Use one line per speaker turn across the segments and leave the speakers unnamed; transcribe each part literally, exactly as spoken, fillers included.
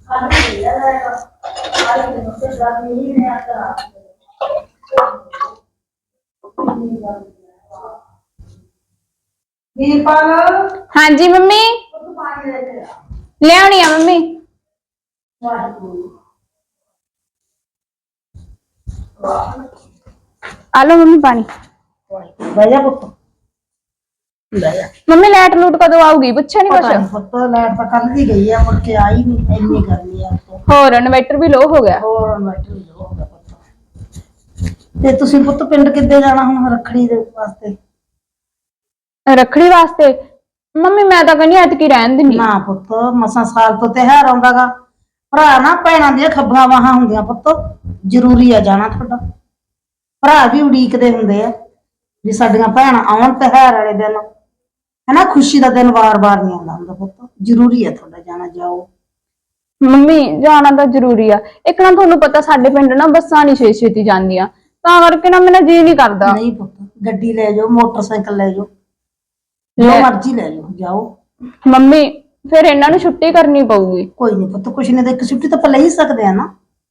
वीरपाल
हाँ जी मम्मी ले आनी है मम्मी। आलो मम्मी पानी।
भैया पुत्र
मम्मी लाइट लूट कदों आऊगी पूछा नहीं
पता
कुछ?
नहीं पुत्र लाइट तो कल दी गई है, मुड़ के आई नहीं, इतनी गर्मी है तो
होर इन्वर्टर भी लो हो गया।
ਹੋਰ ਇਨਵਰਟਰ ਵੀ ਹੋ ਗਿਆ ਪੁੱਤ। ਤੇ ਤੁਸੀਂ ਪੁੱਤ ਪਿੰਡ ਕਿੱਦੇ ਜਾਣਾ ਹੁਣ ਰੱਖੜੀ ਦੇ ਵਾਸਤੇ?
रखड़ी वास्ते मम्मी मैं तो कहनी ऐतकी रहन देनी।
ਨਾ ਪੁੱਤ ਮਸਾਂ ਸਾਲ ਤੋਂ ਤਿਉਹਾਰ ਆਉਂਦਾਗਾ, ਭਰਾ ਨਾ ਭੈਣਾਂ ਦੀਆਂ ਖੱਬੀਆਂ ਬਾਹਾਂ ਹੁੰਦੀਆਂ ਪੁੱਤ, ਜ਼ਰੂਰੀ ਆ ਜਾਣਾ ਤੁਹਾਡਾ। ਭਰਾ ਵੀ ਉਡੀਕਦੇ ਹੁੰਦੇ ਆ ਵੀ ਸਾਡੀਆਂ ਭੈਣਾਂ ਆਉਣ ਤਿਉਹਾਰ ਵਾਲੇ ਦਿਨ, ਹਨਾ, ਖੁਸ਼ੀ ਦਾ ਦਿਨ ਵਾਰ-ਵਾਰ ਨਹੀਂ ਆਉਂਦਾ ਹੁੰਦਾ ਪੁੱਤ, ਜ਼ਰੂਰੀ ਆ ਤੁਹਾਡਾ ਜਾਣਾ। ਜਾਓ
ਮੰਮੀ ਜਾਣਾ ਤਾਂ ਜ਼ਰੂਰੀ ਆ, ਇੱਕ ਨਾ ਤੁਹਾਨੂੰ ਪਤਾ ਸਾਡੇ ਪਿੰਡ ਨਾ ਬੱਸਾਂ ਨਹੀਂ ਛੇ ਛੇਤੀ ਜਾਂਦੀਆਂ, ਤਾਂ ਕਰਕੇ ਨਾ ਮੇਰਾ ਜੀ ਨਹੀਂ ਕਰਦਾ।
ਨਹੀਂ ਪੁੱਤ ਗੱਡੀ ਲੈ ਜਾਓ, ਮੋਟਰਸਾਈਕਲ ਲੈ ਜਾਓ, ਜੋ ਮਰਜ਼ੀ ਲੈ ਜਾਓ, ਜਾਓ।
ਮੰਮੀ ਫਿਰ ਇਹਨਾਂ ਨੂੰ ਛੁੱਟੀ ਕਰਨੀ ਪਊਗੀ।
ਕੋਈ ਨਹੀਂ ਪੁੱਤ, ਕੁਛ ਨਹੀਂ ਤਾਂ ਇੱਕ ਛੁੱਟੀ ਤਾਂ ਆਪਾਂ ਲੈ ਹੀ ਸਕਦੇ ਆ ਨਾ।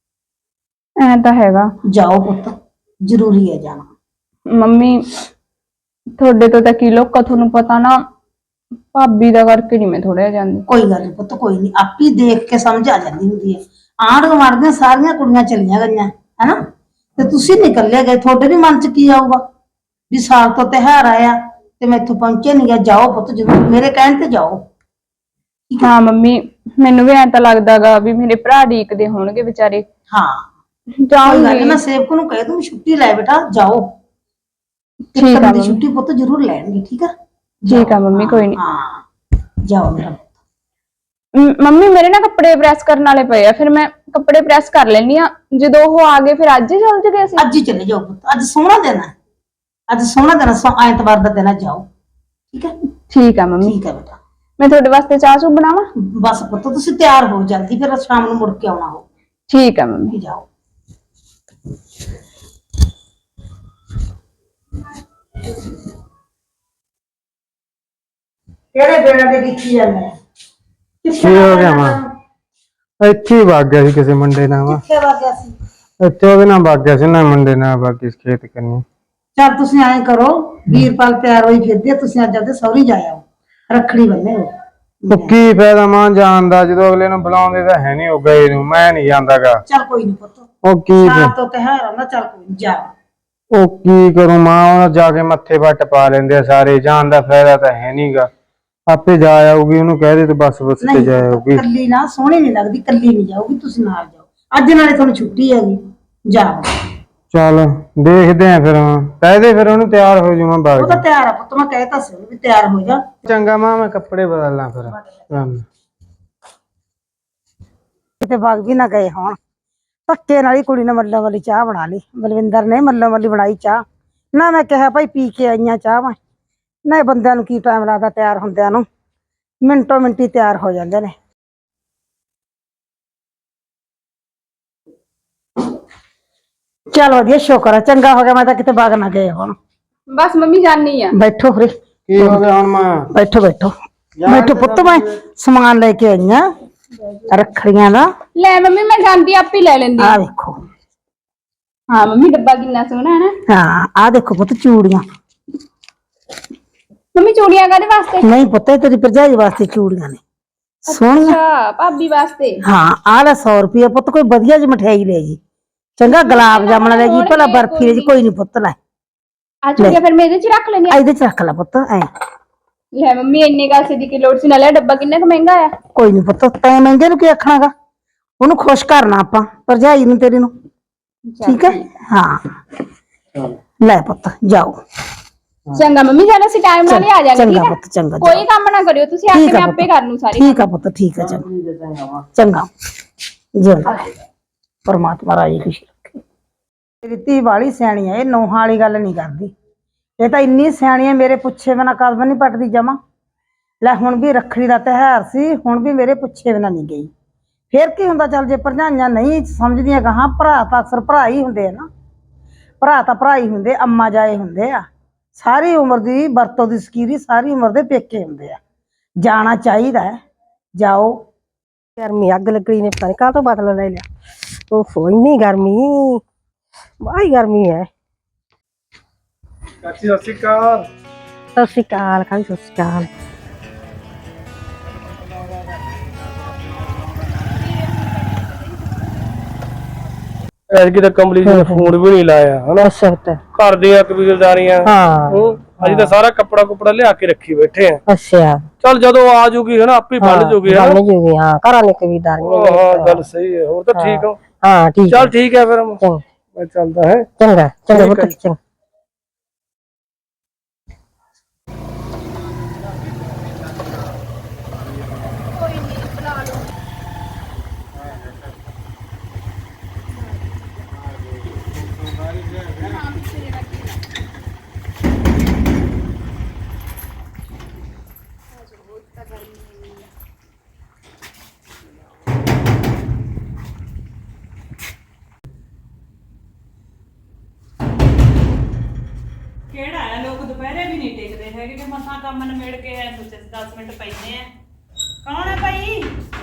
ਐ ਤਾਂ ਹੈਗਾ।
ਜਾਓ ਪੁੱਤ, ਜ਼ਰੂਰੀ ਹੈ ਜਾਣਾ।
ਮੰਮੀ ਤੁਹਾਡੇ ਤੋਂ ਤਾਂ ਕੀ ਲੋਕਾਂ, ਤੁਹਾਨੂੰ ਪਤਾ ਨਾ ਭਾਬੀ ਦਾ ਕਰਕੇ ਨਹੀਂ ਮੈਂ ਥੋੜਾ ਜਾਂਦੀ।
ਕੋਈ ਗੱਲ ਨਹੀਂ ਪੁੱਤ, ਕੋਈ ਨਹੀਂ, ਆਪੀ ਦੇਖ ਕੇ ਸਮਝ ਆ ਜਾਂਦੀ ਹੁੰਦੀ ਹੈ। ਆਂਢ ਗੁਆਂਢ ਦੀਆਂ ਸਾਰੀਆਂ ਕੁੜੀਆਂ ਚਲੀਆਂ ਗਈਆਂ ਹੈਨਾ, ਤੇ ਤੁਸੀਂ ਨਿਕਲੇ ਗਏ, ਤੁਹਾਡੇ ਵੀ ਮਨ 'ਚ ਕੀ ਆਊਗਾ ਵੀ ਸਾਲ ਤੋਂ ਤਿਉਹਾਰ ਆਇਆ ਤੇ ਮੈਂ ਇੱਥੋਂ ਪਹੁੰਚੇ ਨਹੀਂ ਗਿਆ। ਜਾਓ ਪੁੱਤ, ਜ਼ਰੂਰ ਮੇਰੇ ਕਹਿਣ ਤੇ ਜਾਓ।
ਹਾਂ ਮੰਮੀ ਮੈਨੂੰ ਵੀ ਐਂ ਤਾਂ ਲੱਗਦਾਗਾ ਵੀ ਮੇਰੇ ਭਰਾ ਢੀਕਦੇ ਹੋਣਗੇ ਵਿਚਾਰੇ।
ਹਾਂ
ਜਾਊਂਗੀ,
ਮੈਂ ਸੇਵਕ ਨੂੰ ਕਹਿ ਦੂੰ ਛੁੱਟੀ ਲੈ ਬੇਟਾ, ਜਾਓ।
ਠੀਕ ਆ
ਦੀ ਛੁੱਟੀ ਪੁੱਤ ਜ਼ਰੂਰ ਲੈਣਗੇ, ਠੀਕ ਆ?
ਠੀਕ ਆ ਮੰਮੀ, ਕੋਈ ਨਹੀਂ।
ਹਾਂ ਜਾਓ ਮੇਰਾ।
ਮੰਮੀ ਮੇਰੇ ਨਾ ਕੱਪੜੇ ਪ੍ਰੈਸ ਕਰਨ ਵਾਲੇ ਪਏ ਆ, ਫਿਰ ਮੈਂ ਕੱਪੜੇ ਪ੍ਰੈਸ ਕਰ ਲੈਣੀ ਆ, ਜਦੋਂ ਉਹ ਆ ਗਏ ਫਿਰ ਅੱਜ ਹੀ ਚੱਲ ਜਗੇ ਅਸੀਂ।
ਅੱਜ ਹੀ ਚਲੇ ਜਾਓ ਪੁੱਤ, ਅੱਜ ਸੋਹਣਾ ਦਿਨ ਹੈ, ਅੱਜ ਸੋਹਣਾ ਦਿਨ ਹੈ, ਐਤਵਾਰ ਦਾ ਦਿਨ ਹੈ, ਜਾਓ। ਠੀਕ ਹੈ?
ਠੀਕ ਆ ਮੰਮੀ।
ਠੀਕ ਹੈ ਬੇਟਾ।
ਮੈਂ ਤੁਹਾਡੇ ਵਾਸਤੇ ਚਾਹ ਚੂ ਬਣਾਵਾਂ?
ਬਸ ਪੁੱਤ ਤੁਸੀਂ ਤਿਆਰ ਹੋ ਜਲਦੀ, ਫਿਰ ਸ਼ਾਮ ਨੂੰ ਮੁੜ ਕੇ ਆਉਣਾ ਹੋ।
ਠੀਕ ਆ ਮੰਮੀ।
ਜਾਓ। ਕਿਹੜੇ ਬੇੜਾ ਦੇ ਦੇਖੀ ਜਾਂਦੇ ਆ?
ਕੀ ਹੋ ਗਿਆ ਮਾਂ? ਇੱਥੇ ਹੀ ਵਗ ਗਿਆ ਸੀ ਕਿਸੇ ਮੁੰਡੇ ਨਾਲ। ਵਾ
ਕਿੱਥੇ ਵਗ ਗਿਆ ਸੀ?
ਇੱਥੇ ਉਹਦੇ ਨਾਲ ਵਗ ਗਿਆ ਸੀ ਨਾ, ਮੁੰਡੇ ਨਾਲ ਬਾਕੀ ਖੇਤ ਕਰਨੀ।
ਚੱਲ ਤੁਸੀਂ ਐਂ ਕਰੋ, ਵੀਰਪਾਲ ਤਿਆਰ ਹੋਈ ਫਿਰਦੀ ਆ, ਤੁਸੀਂ ਅੱਜ ਆਪਦੇ ਸਹੁਰੀ ਜਾ ਆਓ, ਰੱਖੜੀ ਬੰਨੇ ਹੋ।
ਉਹ ਕੀ ਫਾਇਦਾ ਮਾਂ ਜਾਣ ਦਾ, ਜਦੋਂ ਅਗਲੇ ਨੂੰ ਬੁਲਾਉਂਦੇ ਤਾਂ ਹੈ ਨਹੀਂ, ਉਹ ਗਏ ਨੂੰ ਮੈਂ ਨਹੀਂ ਜਾਂਦਾਗਾ।
ਚੱਲ ਕੋਈ ਨਹੀਂ ਪੁੱਤ,
ਉਹ ਕੀ
ਸਾਲ ਤੋਂ ਤਿਉਹਾਰ ਆਉਂਦਾ, ਚੱਲ ਕੋਈ ਨੀ, ਜਾ।
ਉਹ ਕੀ ਕਰੂੰ ਮਾਂ, ਉਹ ਜਾ ਕੇ ਮੱਥੇ ਵੱਟ ਪਾ ਲੈਂਦੇ ਆ ਸਾਰੇ, ਜਾਣ ਦਾ ਫਾਇਦਾ ਤਾਂ ਹੈ ਨਹੀਂਗਾ। ਆਪੇ ਜਾ ਆਊਗੀ, ਉਹਨੂੰ ਕਹਿ ਦੇ ਤੇ ਬਸ ਬਸ ਤੇ ਜਾ ਆਊਗੀ।
ਕੱਲੀ ਨਾ ਸੋਹਣੀ ਨਹੀਂ ਲੱਗਦੀ, ਕੱਲੀ ਨਹੀਂ ਜਾਊਗੀ, ਤੁਸੀਂ ਨਾਲ ਜਾਓ। ਅੱਜ ਨਾਲੇ ਤੁਹਾਨੂੰ ਛੁੱਟੀ ਹੈਗੀ, ਜਾਓ।
ਚੱਲ ਦੇਖਦੇ ਆ ਫਿਰ, ਕਹਿ ਦੇ ਫਿਰ ਉਹਨੂੰ ਤਿਆਰ ਹੋ ਜਾਵਾਂ ਬਾਅਦ।
ਉਹ ਤਾਂ ਤਿਆਰ ਆ ਪੁੱਤ, ਮੈਂ ਕਹਿਤਾ ਸੀ ਵੀ ਤਿਆਰ ਹੋ ਜਾ।
ਚੰਗਾ ਮਾਂ, ਮੈਂ ਕੱਪੜੇ ਬਦਲਾਂ ਫਿਰ।
ਕਿਤੇ ਵਗ ਵੀ ਨਾ ਗਏ ਹੋਣ, ਧੱਕੇ ਨਾਲ ਹੀ ਕੁੜੀ ਨੇ ਮੱਲੋ ਵਾਲੀ ਚਾਹ ਬਣਾ ਲਈ, ਬਲਵਿੰਦਰ ਨੇ ਮੱਲੋ ਵਾਲੀ ਬਣਾਈ ਚਾਹ। ਨਾ ਮੈਂ ਕਿਹਾ ਭਾਈ ਪੀ ਕੇ ਆਈਆਂ ਚਾਹ, ਮੈਂ ਨਾ ਬੰਦਿਆਂ ਨੂੰ ਕੀ ਟਾਈਮ ਲੱਗਦਾ ਤਿਆਰ ਹੁੰਦਿਆਂ ਨੂੰ, ਮਿੰਟੋ ਮਿੰਟੀ ਤਿਆਰ ਹੋ ਜਾਂਦੇ ਨੇ। ਚੱਲ ਵਧੀਆ, ਸ਼ੁਕਰ ਹੈ, ਚੰਗਾ ਹੋ ਗਿਆ, ਮੈਂ ਤਾਂ ਕਿਤੇ ਵਗ ਨਾ ਗਏ ਹੁਣ।
ਬਸ ਮੰਮੀ ਜਾਣੀ ਆ।
ਬੈਠੋ ਫਿਰ।
ਕੀ ਹੋ ਗਿਆ ਹੁਣ ਮਾਂ?
ਬੈਠੋ ਬੈਠੋ ਬੈਠੋ ਪੁੱਤ, ਮੈਂ ਸਮਾਨ ਲੈ ਕੇ ਆਈ ਆ ਰੱਖੜੀਆਂ ਦਾ।
ਲੈ ਮੰਮੀ ਮੈਂ ਜਾਂਦੀ ਆਪੇ ਲੈ ਲੈਂਦੀ।
ਆ ਵੇਖੋ।
ਹਾਂ ਮੰਮੀ ਡੱਬਾ ਕਿੰਨਾ ਸੋਹਣਾ ਹੈ ਨਾ।
ਹਾਂ ਆ ਦੇਖੋ ਪੁੱਤ, ਚੂੜੀਆਂ।
ਮੰਮੀ ਚੂੜੀਆਂ ਕਾਹਦੇ ਵਾਸਤੇ?
ਨਹੀਂ ਪੁੱਤ, ਤੇਰੀ ਭਰਜਾਈ ਵਾਸਤੇ ਚੂੜੀਆਂ ਨੇ, ਸੋਹਣੀਆਂ।
ਅੱਛਾ ਭਾਬੀ ਵਾਸਤੇ।
ਹਾਂ ਆ ਲੈ ਸੌ ਰੁਪਏ ਪੁੱਤ, ਕੋਈ ਵਧੀਆ ਜਿਹੀ ਮਠਿਆਈ ਲੈ ਜੀ, ਚੰਗਾ ਗੁਲਾਬ ਜਾਮਣਾ ਲੈ ਜੀ, ਭਲਾ ਬਰਫੀ ਲੈ ਜੀ। ਕੋਈ ਨਹੀਂ ਪੁੱਤ, ਲੈ
ਆ ਚੂੜੀਆਂ ਫਿਰ ਮੈਂ ਇਹਦੇ ਚ ਰੱਖ ਲੈਣੀ ਆ।
ਇਹਦੇ ਚ ਰੱਖ ਲੈ ਪੁੱਤ। ਐ
ਲੈ ਮੰਮੀ ਇੰਨੇ ਕਾਸੇ ਦੀ ਕੀ ਲੋੜ ਸੀ, ਨਾਲੇ ਡੱਬਾ ਕਿੰਨਾ ਕੁ ਮਹਿੰਗਾ ਆ।
ਕੋਈ ਨਹੀਂ ਪੁੱਤ, ਤੈਂ ਮਹਿੰਗੇ ਨੂੰ ਕੀ ਆਖਣਾਗਾ, ਉਹਨੂੰ ਖੁਸ਼ ਕਰਨਾ ਆਪਾਂ, ਭਰਜਾਈ ਨੂੰ ਤੇਰੀ ਨੂੰ। ਠੀਕ ਹੈ? ਹਾਂ ਲੈ ਪੁੱਤ, ਜਾਓ।
ਚੰਗਾ ਮੰਮੀ, ਜਾਨ ਅਸੀਂ ਟਾਈਮ ਨਾਲ ਹੀ ਆ ਜਾਾਂਗੇ।
ਚੰਗਾ ਪੁੱਤ, ਚੰਗਾ।
ਕੋਈ ਕੰਮ ਨਾ ਕਰਿਓ ਤੁਸੀਂ, ਆ ਕੇ ਮੈਂ ਆਪੇ ਕਰ ਲੂ ਸਾਰੀ।
ਠੀਕ ਆ ਪੁੱਤ, ਠੀਕ ਆ, ਚੰਗਾ ਚੰਗਾ। ਜਿਉਂਦਾ ਪਰਮਾਤਮਾ ਰਾਜੀ ਖੁਸ਼ੀ ਰੱਖੇ। ਮੇਰੀ ਧੀ ਵਾਲੀ ਸਿਆਣੀ ਆ, ਇਹ ਨੌਹਾਂ ਵਾਲੀ ਗੱਲ ਨਹੀਂ ਕਰਦੀ, ਇਹ ਤਾਂ ਇੰਨੀ ਸਿਆਣੀ ਆ, ਮੇਰੇ ਪੁੱਛੇ ਬਿਨਾਂ ਕਦਮ ਨਹੀਂ ਪੱਟਦੀ ਜਮਾ। ਲੈ ਹੁਣ ਵੀ ਰੱਖੜੀ ਦਾ ਤਿਉਹਾਰ ਸੀ, ਹੁਣ ਵੀ ਮੇਰੇ ਪੁੱਛੇ ਬਿਨਾਂ ਨਹੀਂ ਗਈ। ਫੇਰ ਕੀ ਹੁੰਦਾ, ਚੱਲ ਜੇ ਭਰਜਾਈਆਂ ਨਹੀਂ ਸਮਝਦੀਆਂ ਗਾਹਾਂ, ਭਰਾ ਤਾਂ ਅਕਸਰ ਭਰਾ ਹੀ ਹੁੰਦੇ ਆ ਨਾ, ਭਰਾ ਤਾਂ ਭਰਾ ਹੀ ਹੁੰਦੇ, ਅੰਮਾ ਜਾਏ ਹੁੰਦੇ ਆ। ਸਾਰੀ ਉਮਰ ਦੀ ਵਰਤੋਂ ਦੀ ਸਕੀਰੀ ਸਾਰੀ ਉਮਰ ਦੇ ਪੇਕੇ ਹੁੰਦੇ ਆ, ਜਾਣਾ ਚਾਹੀਦਾ ਹੈ, ਜਾਓ।
ਗਰਮੀ ਅੱਗ ਲੱਗਣੀ ਨੇ ਪਤਾ ਨਹੀਂ ਕਾਹ ਤੋਂ ਬਦਲਾ ਲੈ ਲਿਆ। ਓਹੋ ਇੰਨੀ ਗਰਮੀ ਬਾਹਲੀ ਗਰਮੀ ਹੈ।
ਚਾਚੀ ਸਤਿ ਸ਼੍ਰੀ ਅਕਾਲ।
ਸਤਿ ਸ਼੍ਰੀ ਅਕਾਲ ਖਾਈ ਸਤਿ ਸ਼੍ਰੀ ਅਕਾਲ।
ਐਤਕੀ ਤਾਂ ਕੰਬਲੀ ਜੀ ਨੇ ਫੋਨ ਵੀ ਨਹੀਂ ਲਾਇਆ ਹਨਾ।
ਅੱਛਾ ਪੁੱਤ।
ਘਰ ਦੀਆਂ ਕਬੀਲਦਾਰੀਆਂ
ਹਾਂ
ਹੂੰ ਅਸੀਂ ਤਾਂ ਸਾਰਾ ਕੱਪੜਾ ਕੁਪੜਾ ਲਿਆ ਕੇ ਰੱਖੀ ਬੈਠੇ ਆ।
ਅੱਛਾ
ਚੱਲ ਜਦੋਂ ਆ ਜੂਗੀ ਹਨਾ ਆਪੇ ਬਣ ਜੂਗੀ ਹਨਾ।
ਬਣ ਜੂਗੀ ਹਾਂ ਘਰਾਂ ਨੇ ਕਬੀਲਦਾਰੀਆਂ
ਹਾਂ ਗੱਲ ਸਹੀ ਹੈ। ਹੋਰ ਤਾਂ ਠੀਕ ਹੋ?
ਹਾਂ ਠੀਕ
ਚੱਲ ਠੀਕ ਹੈ ਫਿਰ
ਚੰਗਾ
ਮੈਂ ਚੱਲਦਾ ਹੈ।
ਚੰਗਾ ਚੰਗਾ
ਠੀਕ ਹੈ
ਪੁੱਤ ਚੰਗਾ।
ਕਿਹੜਾ ਹੈ ਲੋਕ ਦੁਪਹਿਰੇ ਵੀ ਨਹੀਂ ਟਿਕਦੇ ਹੈਗੇ ਕਿ ਮਸਾਂ ਕੰਮ ਨਿਬੇੜ ਕੇ ਐ ਸੋਚੇ ਦਸ ਮਿੰਟ ਪੈਨੇ ਆ। ਕੌਣ ਹੈ ਭਾਈ?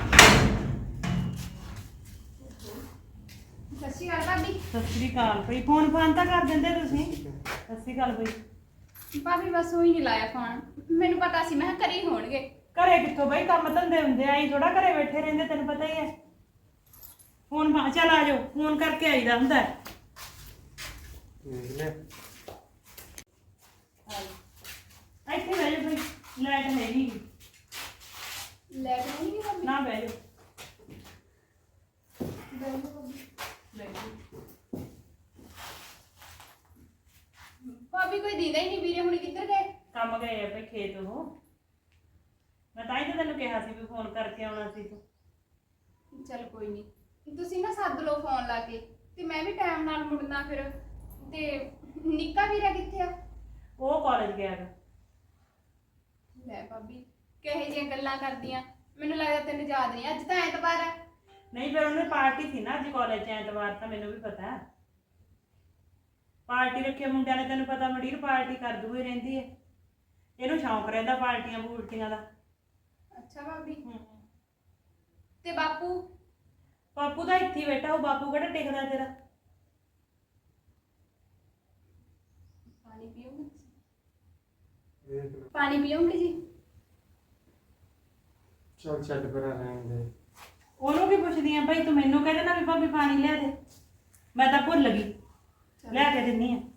ਸਤਿ ਸ਼੍ਰੀ ਅਕਾਲ ਭਾਬੀ।
ਸਤਿ ਸ੍ਰੀ ਅਕਾਲ ਭਾਈ। ਫੋਨ ਫਾਨ ਤਾਂ ਕਰ ਦਿੰਦੇ ਤੁਸੀਂ। ਸਤਿ ਸ੍ਰੀ ਅਕਾਲ ਭਾਈ।
ਭਾਬੀ ਬਸ ਉਹੀ ਨਹੀਂ ਲਾਇਆ ਫੋਨ, ਮੈਨੂੰ ਪਤਾ ਸੀ ਮੈਂ ਕਿਹਾ ਘਰੇ ਹੀ ਹੋਣਗੇ।
ਘਰੇ ਕਿੱਥੋਂ ਭਾਈ ਕੰਮ ਧੰਦੇ ਹੁੰਦੇ ਆਈ ਥੋੜਾ ਘਰੇ ਬੈਠੇ ਰਹਿੰਦੇ ਤੈਨੂੰ ਪਤਾ ਹੀ ਹੈ। ਫੋਨ ਫਾ ਚੱਲ ਆ ਜਾਓ ਫੋਨ ਕਰਕੇ ਆਈਦਾ ਹੁੰਦਾ ਹੈ। ਇੱਥੇ ਬਹਿ ਜਾਓ ਭਾਈ ਲਾਈਟ ਹੈ ਨਹੀਂ।
ਲੈ ਕੇ ਨਹੀਂ ਭਾਬੀ
ਨਾ ਬਹਿ ਜਾਓ।
ਭਾਬੀ ਕੋਈ ਦੀਦਾ ਹੀ ਨਹੀਂ ਵੀਰੇ ਹੁਣ ਕਿੱਧਰ ਗਏ?
ਕੰਮ ਗਏ ਆ ਭਾਈ ਖੇਤ ਉਹ। ਮੈਂ ਤਾਂ ਹੀ ਤਾਂ ਤੈਨੂੰ ਕਿਹਾ ਸੀ ਵੀ ਫੋਨ ਕਰਕੇ ਆਉਣਾ ਸੀ ਤੂੰ।
ਚੱਲ ਕੋਈ ਨਹੀਂ, ਤੁਸੀਂ ਨਾ ਸੱਦ ਲਓ ਫੋਨ ਲਾ ਕੇ ਤੇ ਮੈਂ ਵੀ ਟਾਈਮ ਨਾਲ ਮੁੜਨਾ ਫਿਰ। ਤੇ ਨਿੱਕਾ ਵੀਰਾ ਕਿੱਥੇ ਆ?
ਉਹ ਕਾਲਜ ਗਿਆ ਗਾ।
ਲੈ ਭਾਬੀ ਕਿਹੋ ਜਿਹੀਆਂ ਗੱਲਾਂ ਕਰਦੀਆਂ, ਮੈਨੂੰ ਲੱਗਦਾ ਤੈਨੂੰ ਯਾਦ ਨਹੀਂ। ਅੱਜ ਤਾਂ ਐਤਵਾਰ ਹੈ।
ਨਹੀਂ ਫਿਰ ਉਹਨੇ ਪਾਰਟੀ ਸੀ ਨਾ ਅੱਜ ਕਾਲਜ ਚ ਐਤਵਾਰ ਤਾਂ ਮੈਨੂੰ ਵੀ ਪਤਾ ਹੈ। ਪਾਰਟੀ ਰੱਖੀ ਮੁੰਡਿਆਂ ਨੇ ਤੈਨੂੰ ਪਤਾ ਮੰਡੀਰ ਪਾਰਟੀ ਕਰ ਦੂਈ ਰਹਿੰਦੀ ਹੈ। ਇਹਨੂੰ ਸ਼ੌਂਕ ਰਹਿੰਦਾ ਪਾਰਟੀਆਂ ਪੂਰਟੀਆਂ ਦਾ।
ਅੱਛਾ ਭਾਬੀ ਤੇ ਬਾਪੂ?
ਬਾਪੂ ਤਾਂ ਇੱਥੇ ਹੀ ਬੈਠਾ। ਉਹ ਬਾਪੂ ਕਿਹੜਾ ਟਿਕਦਾ ਤੇਰਾ।
ਪਾਣੀ ਪੀਓਗੇ? ਪਾਣੀ ਪੀਓਗੇ ਜੀ?
ਚੱਲ ਛੱਡ ਪਰਾਂ ਰਹਿਣ ਦੇ।
ਉਹਨੂੰ ਕੀ ਪੁੱਛਦੀ ਆ ਭਾਈ ਤੂੰ ਮੈਨੂੰ ਕਹਿੰਦੇ ਨਾ ਵੀ ਭਾਬੀ ਪਾਣੀ ਲਿਆ ਦੇ। ਮੈਂ ਤਾਂ ਭੁੱਲ ਗਈ ਲਿਆ ਕੇ ਦਿੰਨੀ ਆ।